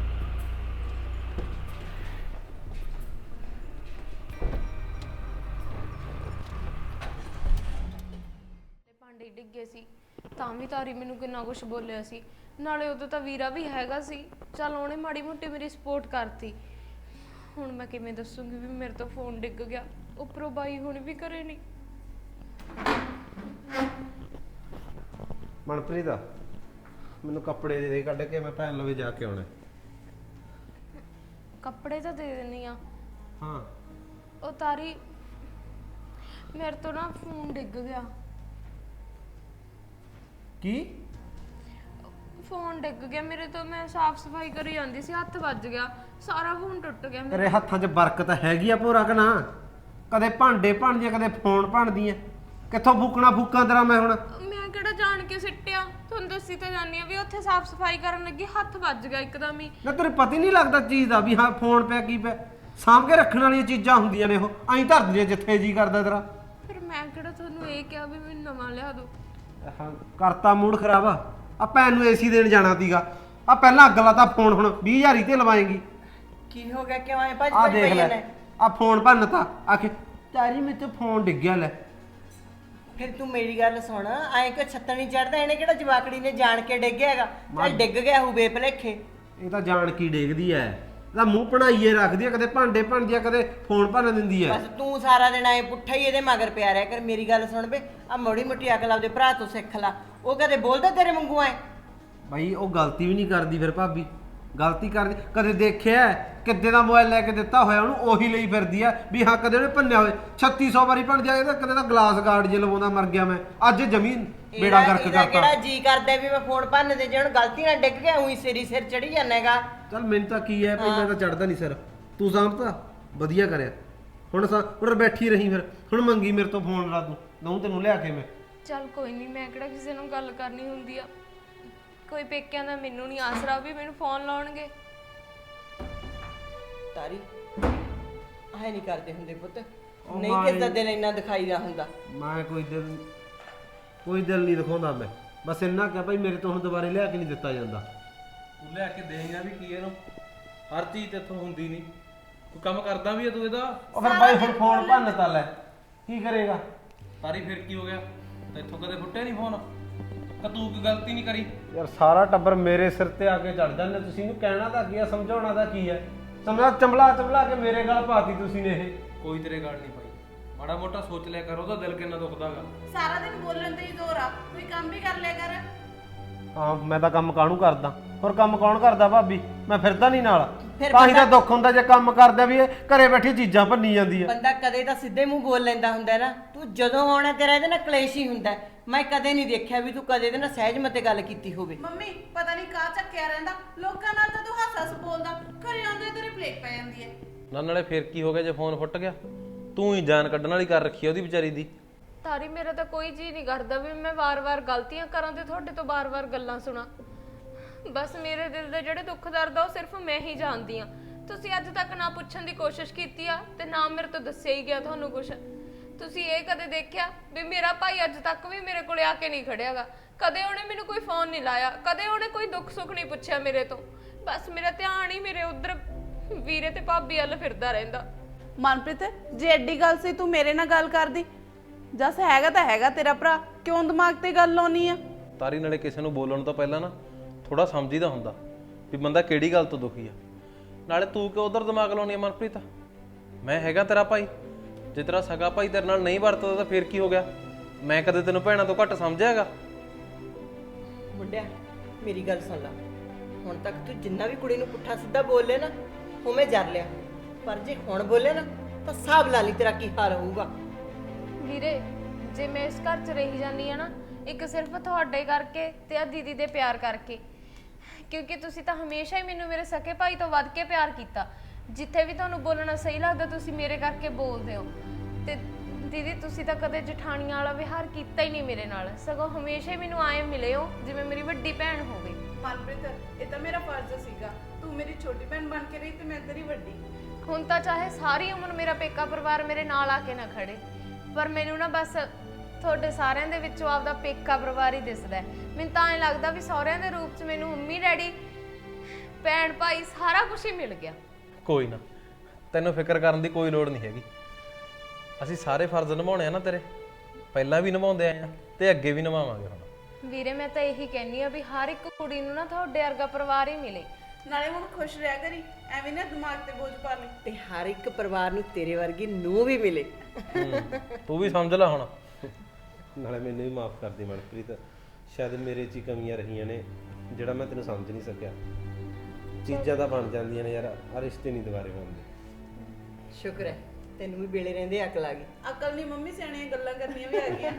Speaker 3: ਭਾਂਡੇ ਡਿੱਗੇ ਸੀ ਤਾਂ ਵੀ ਤਾਰੀ ਮੈਨੂੰ ਕਿੰਨਾ ਕੁਝ ਬੋਲਿਆ ਸੀ। ਨਾਲੇ ਉਦੋਂ ਤਾਂ ਵੀਰਾ ਵੀ ਹੈਗਾ ਸੀ, ਚੱਲ ਉਹਨੇ ਮਾੜੀ ਮੋਟੀ ਮੇਰੀ ਸਪੋਰਟ ਕਰਤੀ। ਹੁਣ ਮੈਂ ਕਿਵੇਂ ਦੱਸੂਗੀ ਵੀ ਮੇਰੇ ਤੋਂ ਫੋਨ ਡਿੱਗ ਗਿਆ, ਉੱਪਰੋਂ ਬਾਈ ਹੁਣ ਵੀ ਘਰੇ ਨਹੀਂ।
Speaker 7: ਮਨਪ੍ਰੀਤ ਆ, ਮੈਨੂੰ ਕੱਪੜੇ ਦੇ ਦੇ ਕੱਢ ਕੇ, ਮੈਂ ਭੈਣ ਲਵੇ ਜਾ ਕੇ ਆਉਣਾ।
Speaker 3: ਕੱਪੜੇ ਤਾਂ ਦੇ ਦਿੰਨੀ ਆ।
Speaker 7: ਹਾਂ
Speaker 3: ਉਹ ਤਾਰੀ ਮੇਰੇ ਤੋਂ ਨਾ ਫੋਨ ਡਿੱਗ ਗਿਆ।
Speaker 7: ਕੀ?
Speaker 3: ਫੋਨ ਡਿੱਗ ਗਿਆ ਮੇਰੇ ਤੋਂ, ਮੈਂ ਸਾਫ਼ ਸਫਾਈ ਕਰੀ ਜਾਂਦੀ ਸੀ, ਹੱਥ ਵੱਜ ਗਿਆ, ਸਾਰਾ ਫੋਨ ਟੁੱਟ ਗਿਆ ਮੇਰਾ।
Speaker 7: ਤੇਰੇ ਹੱਥਾਂ 'ਚ ਬਰਕਤ ਹੈਗੀ ਆ ਭੋਰਾ ਕਿ ਨਾ? ਕਦੇ ਭਾਂਡੇ ਭੰਨਦੀਆਂ, ਕਦੇ ਫੋਨ ਭੰਨਦੀਆਂ, ਕਿੱਥੋਂ ਫੂਕਣਾ ਫੂਕਾਂ ਤੇਰਾ ਮੈਂ ਹੁਣ?
Speaker 3: ਮੈਂ ਕਿਹੜਾ ਜਾਣ ਕੇ ਸਿੱਟਿਆ, ਤੁਹਾਨੂੰ ਦੱਸੀ ਤਾਂ ਜਾਨੀ ਆ ਵੀ ਉੱਥੇ ਸਾਫ਼ ਸਫਾਈ ਕਰਨ ਲੱਗੀ ਹੱਥ ਵੱਜ ਗਿਆ ਇੱਕਦਮ ਹੀ।
Speaker 7: ਨਾ ਤੇਰੇ ਪਤਾ ਹੀ ਨਹੀਂ ਲੱਗਦਾ ਚੀਜ਼ ਦਾ ਵੀ ਹਾਂ ਫੋਨ ਪਿਆ ਕੀ ਪਿਆ। ਸਾਂਭ ਕੇ ਰੱਖਣ ਵਾਲੀਆਂ ਚੀਜ਼ਾਂ ਹੁੰਦੀਆਂ ਨੇ, ਉਹ ਐਂ ਧਰ ਦਿੰਦੀਆਂ ਜਿੱਥੇ ਜੀ ਕਰਦਾ ਤੇਰਾ।
Speaker 3: ਫਿਰ ਮੈਂ ਕਿਹੜਾ ਤੁਹਾਨੂੰ ਇਹ ਕਿਹਾ ਵੀ ਮੈਨੂੰ ਨਵਾਂ ਲਿਆ ਦਿਓ।
Speaker 7: ਹਾਂ ਕਰਤਾ ਮੂਡ ਖਰਾਬ ਆ। ਆ ਭੈਣ ਨੂੰ ਏਸੀ ਦੇਣ ਜਾਣਾ ਸੀਗਾ, ਆ ਪਹਿਲਾਂ ਅੱਗ ਲਾਤਾ ਫੋਨ, ਹੁਣ ਵੀਹ ਹਜ਼ਾਰ ਹੀ ਤੇ ਲਵਾਏਗੀ।
Speaker 2: ਕੀ ਹੋ ਗਿਆ, ਕਿਉਂ ਆਏ ਭੱਜ
Speaker 7: ਆ
Speaker 2: ਭੱਜ
Speaker 7: ਦੇਖ
Speaker 2: ਪਈ
Speaker 7: ਲੈ,
Speaker 2: ਨੇ?
Speaker 7: ਆ ਫੋਨ ਭੰਨਤਾ, ਆਖੇ ਤਾਰੀ ਮੇਰੇ ਤੇ ਫੋਨ ਡਿੱਗਿਆ। ਲੈ
Speaker 2: ਫਿਰ ਤੂੰ ਮੇਰੀ ਗੱਲ ਸੁਣ, ਐਂ ਕਿ ਛੱਤਣ ਨਹੀਂ ਚੜਦਾ, ਇਹਨੇ ਕਿਹੜਾ ਜਵਾਕੜੀ ਨੇ ਜਾਣ ਕੇ ਡਿੱਗਿਆ ਹੈਗਾ? ਚੱਲ ਡਿੱਗ ਗਿਆ ਹੋਊ ਬੇਭਲੇਖੇ।
Speaker 7: ਇਹ ਤਾਂ ਜਾਣ ਕੀ ਡੇਗਦੀ ਐ, ਇਹਦਾ ਮੂੰਹ ਬਣਾਈਏ ਰੱਖਦੀ ਐ, ਕਦੇ ਭਾਂਡੇ ਭੰਨਦੀ ਐ, ਕਦੇ ਫੋਨ ਭੰਨ ਦਿੰਦੀ ਐ।
Speaker 2: ਬਸ ਤੂੰ ਸਾਰਾ ਦਿਨ ਐ ਪੁੱਠਾ ਹੀ ਇਹਦੇ ਮਗਰ ਪਿਆ ਰਿਹਾ ਕਰ। ਮੇਰੀ ਗੱਲ ਸੁਣ ਬੇ, ਆ ਮੋੜੀ ਮੋਟੀ ਅਕਲ ਆਪਦੇ ਭਰਾ ਤੋਂ ਸਿੱਖ ਲਾ, ਉਹ ਕਦੇ ਬੋਲਦਾ ਤੇਰੇ ਵਾਂਗੂ ਐ?
Speaker 7: ਬਾਈ ਉਹ ਗਲਤੀ ਵੀ ਨਹੀਂ ਕਰਦੀ ਫਿਰ ਭਾਬੀ, ਗਲਤੀ ਕਰਦੀ। ਕਦੇ ਦੇਖਿਆ ਕਿੱਦੇ ਦਾ ਮੋਬਾਈਲ ਲੈ ਕੇ ਦਿੱਤਾ ਹੋਇਆ ਉਹਨੂੰ, ਉਹੀ ਲਈ ਫਿਰਦੀ ਆ ਵੀ ਹਾਂ ਕਦੇ ਉਹਨੇ ਭੰਨਿਆ ਹੋਵੇ। ਛੱਤੀ ਸੌ ਵਾਰੀ ਭੰਨ ਜਾਏ ਤਾਂ ਕਦੇ ਤਾਂ ਗਲਾਸ ਗਾਰਡ ਜੇ ਲਵਾਉਂਦਾ ਮਰ ਗਿਆ ਮੈਂ, ਅੱਜ ਜ਼ਮੀਨ ਬੇੜਾ ਗਰਕ
Speaker 2: ਇਹਦਾ
Speaker 7: ਕਰਤਾ।
Speaker 2: ਕਿਹੜਾ ਜੀ ਕਰਦਾ ਵੀ ਮੈਂ ਫੋਨ ਭੰਨ ਦੇ, ਜੇ ਹੁਣ ਗਲਤੀ ਨਾਲ ਡਿੱਗ ਗਿਆ ਉਹੀ ਸਿਰੀ ਸਿਰ ਚੜੀ ਜਾਣੇਗਾ।
Speaker 7: ਚੱਲ ਮੈਨੂੰ ਤਾਂ ਕੀ ਐ, ਪਹਿਲਾਂ ਤਾਂ ਚੜਦਾ ਨਹੀਂ ਸਿਰ, ਤੂੰ ਸਾਂਭਤਾ ਵਧੀਆ ਕਰਿਆ। ਹੁਣ ਸਾ ਹੁਣ ਬੈਠੀ ਰਹੀ, ਫਿਰ ਹੁਣ ਮੰਗੀ ਮੇਰੇ ਤੋਂ ਫੋਨ ਲਾ, ਤੂੰ ਦਊਂ ਤੈਨੂੰ ਲਿਆ ਕੇ ਮੈਂ।
Speaker 3: ਚੱਲ ਕੋਈ ਨਹੀਂ, ਮੈਂ ਕਿਹੜਾ ਕਿਸੇ ਨੂੰ ਗੱਲ ਕਰਨੀ ਹੁੰਦੀ ਆ, ਕੋਈ ਪੇਕਿਆਂ ਦਾ ਮੈਨੂੰ ਨਹੀਂ ਆਸਰਾ ਵੀ ਮੈਨੂੰ ਫੋਨ ਲਾਉਣਗੇ।
Speaker 2: ਤਾਰੀ ਐ ਨਹੀਂ ਕਰਦੇ ਹੁੰਦੇ ਪੁੱਤ, ਨਹੀਂ ਕਿਸ ਦਾ ਦਿਲ ਇੰਨਾ ਦਿਖਾਈ ਦਾ ਹੁੰਦਾ।
Speaker 7: ਮੈਂ ਕੋਈ ਦਿਲ ਕੋਈ ਦਿਲ ਨਹੀਂ ਦਿਖਾਉਂਦਾ ਮੈਂ, ਬਸ ਇੰਨਾ ਕਿਹਾ ਭਾਈ ਮੇਰੇ ਤੋਂ ਹੁਣ ਦੁਬਾਰੇ ਲਿਆ ਕੇ ਨਹੀਂ ਦਿੱਤਾ ਜਾਂਦਾ।
Speaker 4: ਤੂੰ ਲਿਆ ਕੇ ਦੇਂਗਾ ਵੀ ਕੀ ਇਹਨੂੰ, ਹਰ ਚੀਜ਼ ਤੇ ਇੱਥੋਂ ਹੁੰਦੀ ਨਹੀਂ, ਕੋਈ ਕੰਮ ਕਰਦਾ ਵੀ ਹੈ ਤੂੰ ਇਹਦਾ।
Speaker 7: ਉਹ ਫਿਰ ਬਾਈ ਹੁਣ ਫੋਨ ਭੰਨ ਤਾ ਲੈ, ਕੀ ਕਰੇਗਾ?
Speaker 4: ਤਾਰੀ ਫਿਰ ਕੀ ਹੋ ਗਿਆ, ਤੇ ਇੱਥੋਂ ਕਦੇ ਫੁੱਟਿਆ ਨਹੀਂ ਫੋਨ, ਕਿ ਤੂੰ ਕੋਈ ਗਲਤੀ ਨਹੀਂ ਕਰੀ।
Speaker 7: ਯਾਰ ਸਾਰਾ ਟੱਬਰ ਮੇਰੇ ਸਿਰ ਤੇ ਆ ਕੇ ਚੜ ਜਾਂਦੇ, ਤੁਸੀਂ ਇਹਨੂੰ ਕਹਿਣਾ ਤਾਂ ਕੀ ਆ, ਸਮਝਾਉਣਾ ਤਾਂ ਕੀ ਹੈ? ਸਮਝਾ ਚੰਬਲਾ ਚੰਬਲਾ ਕੇ ਮੇਰੇ ਗੱਲ ਪਾਤੀ ਤੁਸੀਂ ਨੇ ਇਹ।
Speaker 4: ਕੋਈ ਤੇਰੇ ਗੱਲ ਨਹੀਂ ਪਾਈ, ਮਾੜਾ ਮੋਟਾ ਸੋਚ ਲਿਆ ਕਰ, ਉਹਦਾ ਦਿਲ ਕਿੰਨਾ ਦੁਖਦਾਗਾ।
Speaker 1: ਸਾਰਾ ਦਿਨ ਬੋਲਣ ਤੇ ਹੀ ਜ਼ੋਰ ਆ, ਕੋਈ ਕੰਮ ਵੀ ਕਰ ਲਿਆ ਕਰ।
Speaker 7: ਹਾਂ ਮੈਂ ਤਾਂ ਕੰਮ ਕਾਹਨੂੰ ਕਰਦਾ, ਹੋਰ ਕੰਮ ਕੌਣ ਕਰਦਾ ਭਾਬੀ? ਮੈਂ ਫਿਰਦਾ ਨਹੀਂ ਨਾਲ,
Speaker 2: ਫਿਰ
Speaker 7: ਤਾਂ ਹੀ ਤਾਂ
Speaker 2: ਬੰਦਾ-
Speaker 7: ਦੁੱਖ ਹੁੰਦਾ ਜੇ ਕੰਮ ਕਰਦਾ ਵੀ ਇਹ ਘਰੇ ਬੈਠੀ ਚੀਜ਼ਾਂ ਭੰਨੀ ਜਾਂਦੀ ਹੈ।
Speaker 2: ਬੰਦਾ ਕਦੇ ਤਾਂ ਸਿੱਧੇ ਮੂੰਹ ਬੋਲ ਲੈਂਦਾ ਹੁੰਦਾ ਨਾ, ਤੂੰ ਜਦੋਂ ਆਉਣਾ ਤੇਰਾ ਇਹਦੇ ਨਾਲ ਕਲੇਸ਼ ਹੀ ਹੁੰਦਾ। ਮੈਂ ਕਦੇ ਨਹੀਂ ਦੇਖਿਆ ਵੀ ਤੂੰ ਕਦੇ ਇਹਦੇ ਨਾਲ ਸਹਿਜ ਮਤੇ ਗੱਲ ਕੀਤੀ ਹੋਵੇ।
Speaker 1: ਮੰਮੀ ਪਤਾ ਨਹੀਂ ਕਾਹ ਚੱਕਿਆ ਰਹਿੰਦਾ, ਲੋਕਾਂ ਨਾਲ ਤਾਂ ਤੂੰ ਹੱਸ ਹੱਸ ਬੋਲਦਾ, ਘਰੇ ਆਉਂਦੇ ਤੇਰੇ ਪਲੇਟ ਪੈ ਜਾਂਦੀ ਹੈ।
Speaker 4: ਨਾ ਨਾਲੇ ਫਿਰ ਕੀ ਹੋ ਗਿਆ ਜੇ ਫੋਨ ਫੁੱਟ ਗਿਆ, ਤੂੰ ਹੀ ਜਾਨ ਕੱਢਣ ਵਾਲੀ ਕਰ ਰੱਖੀ ਉਹਦੀ ਵਿਚਾਰੀ ਦੀ।
Speaker 3: ਤਾਰੀ ਮੇਰਾ ਤਾਂ ਕੋਈ ਜੀ ਨਹੀਂ ਕਰਦਾ ਵੀ ਮੈਂ ਵਾਰ-ਵਾਰ ਗਲਤੀਆਂ ਕਰਾਂ ਤੇ ਤੁਹਾਡੇ ਤੋਂ ਵਾਰ-ਵਾਰ ਗੱਲਾਂ ਸੁਣਾ। ਬਸ ਮੇਰੇ ਦਿਲ ਦੇ ਜਿਹੜੇ ਦੁੱਖ ਦਰਦ ਆ ਉਹ ਸਿਰਫ ਮੈਂ ਹੀ ਜਾਣਦੀ ਆ। ਤੁਸੀਂ ਅੱਜ ਤੱਕ ਨਾ ਪੁੱਛਣ ਦੀ ਕੋਸ਼ਿਸ਼ ਕੀਤੀ ਆ ਤੇ ਨਾ ਮੇਰੇ ਤੋਂ ਦੱਸਿਆ ਹੀ ਗਿਆ ਤੁਹਾਨੂੰ ਕੁਝ। ਤੁਸੀਂ ਇਹ ਕਦੇ ਦੇਖਿਆ ਵੀ ਮੇਰਾ ਭਾਈ ਅੱਜ ਤੱਕ ਵੀ ਮੇਰੇ ਕੋਲੇ ਆ ਕੇ ਨਹੀਂ ਖੜਿਆਗਾ? ਕਦੇ ਉਹਨੇ ਮੈਨੂੰ ਕੋਈ ਫੋਨ ਨਹੀਂ ਲਾਇਆ, ਕਦੇ ਉਹਨੇ ਕੋਈ ਦੁੱਖ ਸੁੱਖ ਨਹੀਂ ਪੁੱਛਿਆ ਮੇਰੇ ਤੋਂ। ਬਸ ਮੇਰਾ ਧਿਆਨ ਹੀ ਮੇਰੇ ਉਧਰ ਵੀਰੇ ਤੇ ਭਾਬੀ ਵੱਲ ਫਿਰਦਾ ਰਹਿੰਦਾ।
Speaker 1: ਮਨਪ੍ਰੀਤ ਜੇ ਐਡੀ ਗੱਲ ਸੀ ਤੂੰ ਮੇਰੇ ਨਾਲ ਗੱਲ ਕਰਦੀ, ਜਸ ਹੈਗਾ ਤਾਂ ਹੈਗਾ ਤੇਰਾ ਭਰਾ, ਕਿਉਂ ਦਿਮਾਗ ਤੇ ਗੱਲ ਲਾਉਣੀ ਆ?
Speaker 4: ਤਾਰੀ ਨਾਲੇ ਕਿਸੇ ਨੂੰ ਬੋਲਣ ਤੋਂ ਪਹਿਲਾਂ ਨਾ ਥੋੜਾ ਸਮਝੀਦਾ ਹੁੰਦਾ ਵੀ ਬੰਦਾ ਕਿਹੜੀ ਗੱਲ ਤੋਂ ਦੁਖੀ ਆ। ਨਾਲੇ ਤੂੰ ਕਿਉਂ ਉਧਰ ਦਿਮਾਗ ਲਾਉਣੀ ਆ ਮਨਪ੍ਰੀਤ? ਮੈਂ ਹੈਗਾ ਤੇਰਾ ਭਾਈ, ਜੇ ਤੇਰਾ ਸਗਾ ਭਾਈ ਤੇਰੇ ਨਾਲ ਨਹੀਂ ਵਰਤਦਾ ਤਾਂ ਫਿਰ ਕੀ ਹੋ ਗਿਆ? ਮੈਂ ਕਦੇ ਤੈਨੂੰ ਭੈਣਾਂ ਤੋਂ ਘੱਟ ਸਮਝਿਆਗਾ?
Speaker 2: ਮੁੰਡਿਆ ਮੇਰੀ ਗੱਲ ਸੁਣ ਲੈ, ਹੁਣ ਤੱਕ ਤੂੰ ਜਿੰਨਾ ਵੀ ਕੁੜੀ ਨੂੰ ਪੁੱਠਾ ਸਿੱਧਾ ਬੋਲੇ ਨਾ ਉਵੇਂ ਜਰ ਲਿਆ, ਪਰ ਜੇ ਹੁਣ ਬੋਲੇ ਨਾ ਤਾਂ ਹਿਸਾਬ ਲਾ ਲਈ ਤੇਰਾ ਕੀ ਹਾਲ ਹੋਊਗਾ।
Speaker 3: ਵੀਰੇ ਜੇ ਮੈਂ ਇਸ ਘਰ 'ਚ ਰਹੀ ਜਾਂਦੀ ਆ ਨਾ, ਇੱਕ ਸਿਰਫ ਤੁਹਾਡੇ ਕਰਕੇ ਤੇ ਆ ਦੀਦੀ ਦੇ ਪਿਆਰ ਕਰਕੇ, ਕਿਉਂਕਿ ਤੁਸੀਂ ਤਾਂ ਹਮੇਸ਼ਾ ਹੀ ਮੈਨੂੰ ਮੇਰੇ ਸਕੇ ਭਾਈ ਤੋਂ ਵੱਧ ਕੇ ਪਿਆਰ ਕੀਤਾ। ਜਿੱਥੇ ਵੀ ਤੁਹਾਨੂੰ ਬੋਲਣਾ ਸਹੀ ਲੱਗਦਾ ਤੁਸੀਂ ਮੇਰੇ ਕਰਕੇ ਬੋਲਦੇ ਹੋ। ਤੇ ਦੀਦੀ ਤੁਸੀਂ ਤਾਂ ਕਦੇ ਜਠਾਣੀਆਂ ਵਾਲਾ ਵਿਹਾਰ ਕੀਤਾ ਹੀ ਨਹੀਂ ਮੇਰੇ ਨਾਲ, ਸਗੋਂ ਹਮੇਸ਼ਾ ਹੀ ਮੈਨੂੰ ਆਏ ਮਿਲੇ ਹੋ ਜਿਵੇਂ ਮੇਰੀ ਵੱਡੀ ਭੈਣ ਹੋਵੇ।
Speaker 1: ਮਨਪ੍ਰੀਤ ਇਹ ਤਾਂ ਮੇਰਾ ਫਰਜ਼ ਸੀਗਾ, ਤੂੰ ਮੇਰੀ ਛੋਟੀ ਭੈਣ ਬਣ ਕੇ ਰਹੀ ਤੇ ਮੈਂ ਤੇਰੀ ਵੱਡੀ।
Speaker 3: ਹੁਣ ਤਾਂ ਚਾਹੇ ਸਾਰੀ ਉਮਰ ਮੇਰਾ ਪੇਕਾ ਪਰਿਵਾਰ ਮੇਰੇ ਨਾਲ ਆ ਕੇ ਨਾ ਖੜੇ, ਪਰ ਮੈਨੂੰ ਨਾ ਬਸ ਤੁਹਾਡੇ ਸਾਰਿਆਂ ਦੇ ਵਿੱਚੋਂ ਆਪਦਾ ਪੇਕਾ ਪਰਿਵਾਰ ਹੀ ਦਿਸਦਾ ਹੈ। ਮੈਨੂੰ ਤਾਂ ਐਂ ਲੱਗਦਾ ਵੀ ਸਹੁਰਿਆਂ ਦੇ ਰੂਪ 'ਚ ਮੈਨੂੰ ਮੰਮੀ ਡੈਡੀ ਭੈਣ ਭਾਈ ਸਾਰਾ ਕੁਝ ਹੀ ਮਿਲ ਗਿਆ।
Speaker 4: ਕੋਈ ਨਾ, ਤੈਨੂੰ ਫਿਕਰ ਕਰਨ ਦੀ ਕੋਈ ਲੋੜ ਨਹੀਂ ਹੈਗੀ। ਅਸੀਂ ਸਾਰੇ ਫਰਜ਼ ਨਿਭਾਉਣੇ ਆ ਨਾ ਤੇਰੇ, ਪਹਿਲਾਂ ਵੀ ਨਿਭਾਉਂਦੇ ਆਏ ਆ ਤੇ ਅੱਗੇ ਵੀ ਨਿਭਾਵਾਂਗੇ ਹੁਣ।
Speaker 3: ਵੀਰੇ ਮੈਂ ਤਾਂ ਇਹੀ ਕਹਿੰਨੀ ਆ ਵੀ ਹਰ ਇੱਕ ਕੁੜੀ ਨੂੰ ਨਾ ਤੁਹਾਡੇ ਵਰਗਾ ਪਰਿਵਾਰ ਹੀ ਮਿਲੇ।
Speaker 1: ਨਾਲੇ ਹੁਣ ਖੁਸ਼ ਰਹਿ ਕਰੀ, ਐਵੇਂ ਨਾ ਦਿਮਾਗ ਤੇ ਬੋਝ ਪਾ ਲਈ।
Speaker 2: ਤੇ ਹਰ ਇੱਕ ਪਰਿਵਾਰ ਨੂੰ ਤੇਰੇ ਵਰਗੀ ਨੂੰਹ ਵੀ ਮਿਲੇ।
Speaker 4: ਤੂੰ ਵੀ ਸਮਝ ਲੈ ਹੁਣ।
Speaker 7: ਨਾਲੇ ਮੈਨੂੰ ਵੀ ਮਾਫ ਕਰ ਦੇ ਮਨਪ੍ਰੀਤ, ਸ਼ਾਇਦ ਮੇਰੇ 'ਚ ਹੀ ਕਮੀਆਂ ਰਹੀਆਂ ਨੇ ਜਿਹੜਾ ਮੈਂ ਤੈਨੂੰ ਸਮਝ ਨਹੀਂ ਸਕਿਆ। ਚੀਜ਼ਾਂ ਤਾਂ ਬਣ ਜਾਂਦੀਆਂ ਨੇ ਯਾਰ, ਆ ਰਿਸ਼ਤੇ ਨਹੀਂ ਦੁਬਾਰੇ ਬਣਦੇ।
Speaker 2: ਸ਼ੁਕਰ ਹੈ ਤੈਨੂੰ ਵੀ ਵੇਲੇ ਰਹਿੰਦੇ ਅਕਲ ਆ ਗਈ।
Speaker 1: ਅਕਲ ਨਹੀਂ ਮੰਮੀ, ਸਿਆਣੀਆਂ ਗੱਲਾਂ ਕਰਨੀਆਂ ਵੀ ਆ ਗਈਆਂ।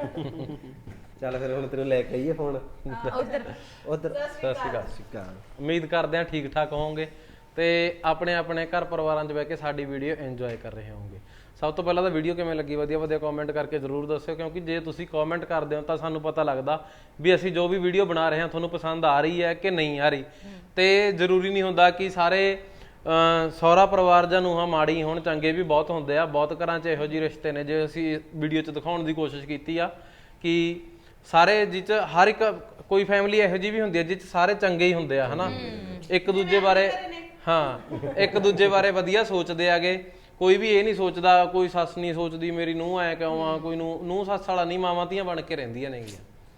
Speaker 7: ਚੱਲ ਫਿਰ ਹੁਣ ਤੈਨੂੰ ਲੈ ਕੇ ਆਈਏ ਫੋਨ
Speaker 3: ਉਧਰ
Speaker 7: ਉਧਰ।
Speaker 4: ਸਤਿ ਸ਼੍ਰੀ ਅਕਾਲ।
Speaker 7: ਸਿੱਕਾ
Speaker 4: ਉਮੀਦ ਕਰਦੇ ਹਾਂ ਠੀਕ ਠਾਕ ਹੋਵੋਗੇ ਤੇ ਆਪਣੇ ਆਪਣੇ ਘਰ ਪਰਿਵਾਰਾਂ 'ਚ ਬਹਿ ਕੇ ਸਾਡੀ ਵੀਡੀਓ ਇੰਜੋਏ ਕਰ ਰਹੇ ਹੋਵੋਗੇ। ਸਭ ਤੋਂ ਪਹਿਲਾਂ ਤਾਂ ਵੀਡੀਓ ਕਿਵੇਂ ਲੱਗੀ ਵਧੀਆ ਵਧੀਆ ਕਮੈਂਟ ਕਰਕੇ ਜ਼ਰੂਰ ਦੱਸਿਓ, ਕਿਉਂਕਿ ਜੇ ਤੁਸੀਂ ਕਮੈਂਟ ਕਰਦੇ ਹੋ ਤਾਂ ਸਾਨੂੰ ਪਤਾ ਲੱਗਦਾ ਵੀ ਅਸੀਂ ਜੋ ਵੀ ਵੀਡੀਓ ਬਣਾ ਰਹੇ ਹਾਂ ਤੁਹਾਨੂੰ ਪਸੰਦ ਆ ਰਹੀ ਹੈ ਕਿ ਨਹੀਂ ਆ ਰਹੀ। ਤੇ ਜ਼ਰੂਰੀ ਨਹੀਂ ਹੁੰਦਾ ਕਿ ਸਾਰੇ ਸਹੁਰਾ ਪਰਿਵਾਰ ਜਾਂ ਨੂੰਹਾਂ ਮਾੜੀ ਹੋਣ, ਚੰਗੇ ਵੀ ਬਹੁਤ ਹੁੰਦੇ ਆ। ਬਹੁਤ ਘਰਾਂ 'ਚ ਇਹੋ ਜਿਹੇ ਰਿਸ਼ਤੇ ਨੇ ਜੇ ਅਸੀਂ ਵੀਡੀਓ 'ਚ ਦਿਖਾਉਣ ਦੀ ਕੋਸ਼ਿਸ਼ ਕੀਤੀ ਆ ਕਿ ਸਾਰੇ ਜਿਹ 'ਚ ਹਰ ਇੱਕ ਕੋਈ ਫੈਮਿਲੀ ਇਹੋ ਜਿਹੀ ਵੀ ਹੁੰਦੀ ਹੈ ਜਿਹ 'ਚ ਸਾਰੇ ਚੰਗੇ ਹੀ ਹੁੰਦੇ ਆ, ਹਨਾ। ਇੱਕ ਦੂਜੇ ਬਾਰੇ ਹਾਂ ਇੱਕ ਦੂਜੇ ਬਾਰੇ ਵਧੀਆ ਸੋਚਦੇ ਆਗੇ। ਕੋਈ ਵੀ ਇਹ ਨਹੀਂ ਸੋਚਦਾ, ਕੋਈ ਸੱਸ ਨਹੀਂ ਸੋਚਦੀ ਮੇਰੀ ਨੂੰਹ ਐ ਕਿਉਂ ਆ, ਕੋਈ ਨੂੰ ਨੂੰਹ ਸੱਸ ਵਾਲਾ ਨਹੀਂ, ਮਾਵਾਂ ਧੀਆਂ ਬਣ ਕੇ ਰਹਿੰਦੀਆਂ ਨੇਗੀਆਂ।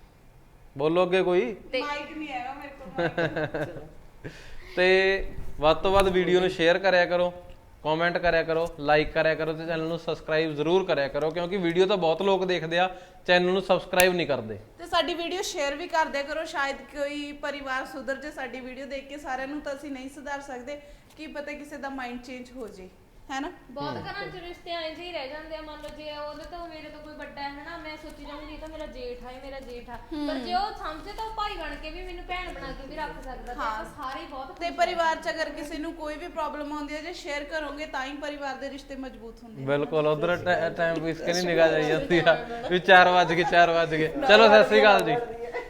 Speaker 4: ਬੋਲੋ ਅੱਗੇ ਕੋਈ।
Speaker 1: ਮਾਈਕ ਨਹੀਂ ਹੈਗਾ ਮੇਰੇ ਕੋਲ।
Speaker 4: ਤੇ ਵੱਧ ਤੋਂ ਵੱਧ ਵੀਡੀਓ ਨੂੰ ਸ਼ੇਅਰ ਕਰਿਆ ਕਰੋ, ਕਮੈਂਟ ਕਰਿਆ ਕਰੋ, ਲਾਈਕ ਕਰਿਆ ਕਰੋ ਤੇ ਚੈਨਲ ਨੂੰ ਸਬਸਕ੍ਰਾਈਬ ਜ਼ਰੂਰ ਕਰਿਆ ਕਰੋ, ਕਿਉਂਕਿ ਵੀਡੀਓ ਤਾਂ ਬਹੁਤ ਲੋਕ ਦੇਖਦੇ ਆ, ਚੈਨਲ ਨੂੰ ਸਬਸਕ੍ਰਾਈਬ ਨਹੀਂ ਕਰਦੇ।
Speaker 1: ਤੇ ਸਾਡੀ ਵੀਡੀਓ ਸ਼ੇਅਰ ਵੀ ਕਰ ਦਿਆ ਕਰੋ, ਸ਼ਾਇਦ ਕੋਈ ਪਰਿਵਾਰ ਸੁਧਰ ਜੇ ਸਾਡੀ ਵੀਡੀਓ ਦੇਖ ਕੇ। ਸਾਰਿਆਂ ਨੂੰ ਤਾਂ ਅਸੀਂ ਨਹੀਂ ਸੁਧਾਰ ਸਕਦੇ, ਕੀ ਪਤਾ ਕਿਸੇ ਦਾ ਮਾਈਂਡ ਚੇਂਜ ਹੋ ਜੇ, ਹੈ ਨਾ।
Speaker 3: ਬਹੁਤ ਘਰਾਂ 'ਚ ਰਿਸ਼ਤੇ ਐਂ ਜਿਹੇ ਹੀ ਰਹਿ ਜਾਂਦੇ ਆ। ਮੰਨ ਲਓ ਜੇ ਉਹਦੇ ਤੋਂ ਮੇਰੇ ਤੋਂ ਕੋਈ ਵੱਡਾ ਹੈ ਹਨਾ, ਮੈਂ ਸੋਚੀ ਜਾਊਂਗੀ ਇਹ ਤਾਂ ਮੇਰਾ ਜੇਠ ਆ, ਇਹ ਮੇਰਾ ਜੇਠ ਆ, ਪਰ ਜੇ ਉਹ ਸਮਝੇ ਤਾਂ ਉਹ ਭਾਈ ਬਣ ਕੇ ਵੀ ਮੈਨੂੰ ਭੈਣ ਬਣਾ ਕੇ ਵੀ ਰੱਖ ਸਕਦਾ। ਤੇ ਆਪਾਂ ਸਾਰੇ ਹੀ ਬਹੁਤ
Speaker 1: ਤੇ ਪਰਿਵਾਰ 'ਚ ਅਗਰ ਕਿਸੇ ਨੂੰ ਕੋਈ ਵੀ ਪ੍ਰੋਬਲਮ ਆਉਂਦੀ ਹੈ, ਜੇ ਸ਼ੇਅਰ ਕਰੋਗੇ ਤਾਂ ਹੀ ਪਰਿਵਾਰ ਦੇ ਰਿਸ਼ਤੇ ਮਜ਼ਬੂਤ ਹੁੰਦੇ ਆ।
Speaker 4: ਬਿਲਕੁਲ ਉਧਰ ਟਾਈਮ ਵੇਸਟ ਕੇ ਨਹੀਂ ਨਿਗਾਹ ਜਾਈ ਜਾਂਦੀ ਆ ਵੀ ਚਾਰ ਵੱਜ ਗਏ ਚਾਰ ਵੱਜ ਗਏ। ਚਲੋ ਸਤਿ ਸ਼੍ਰੀ ਅਕਾਲ ਜੀ।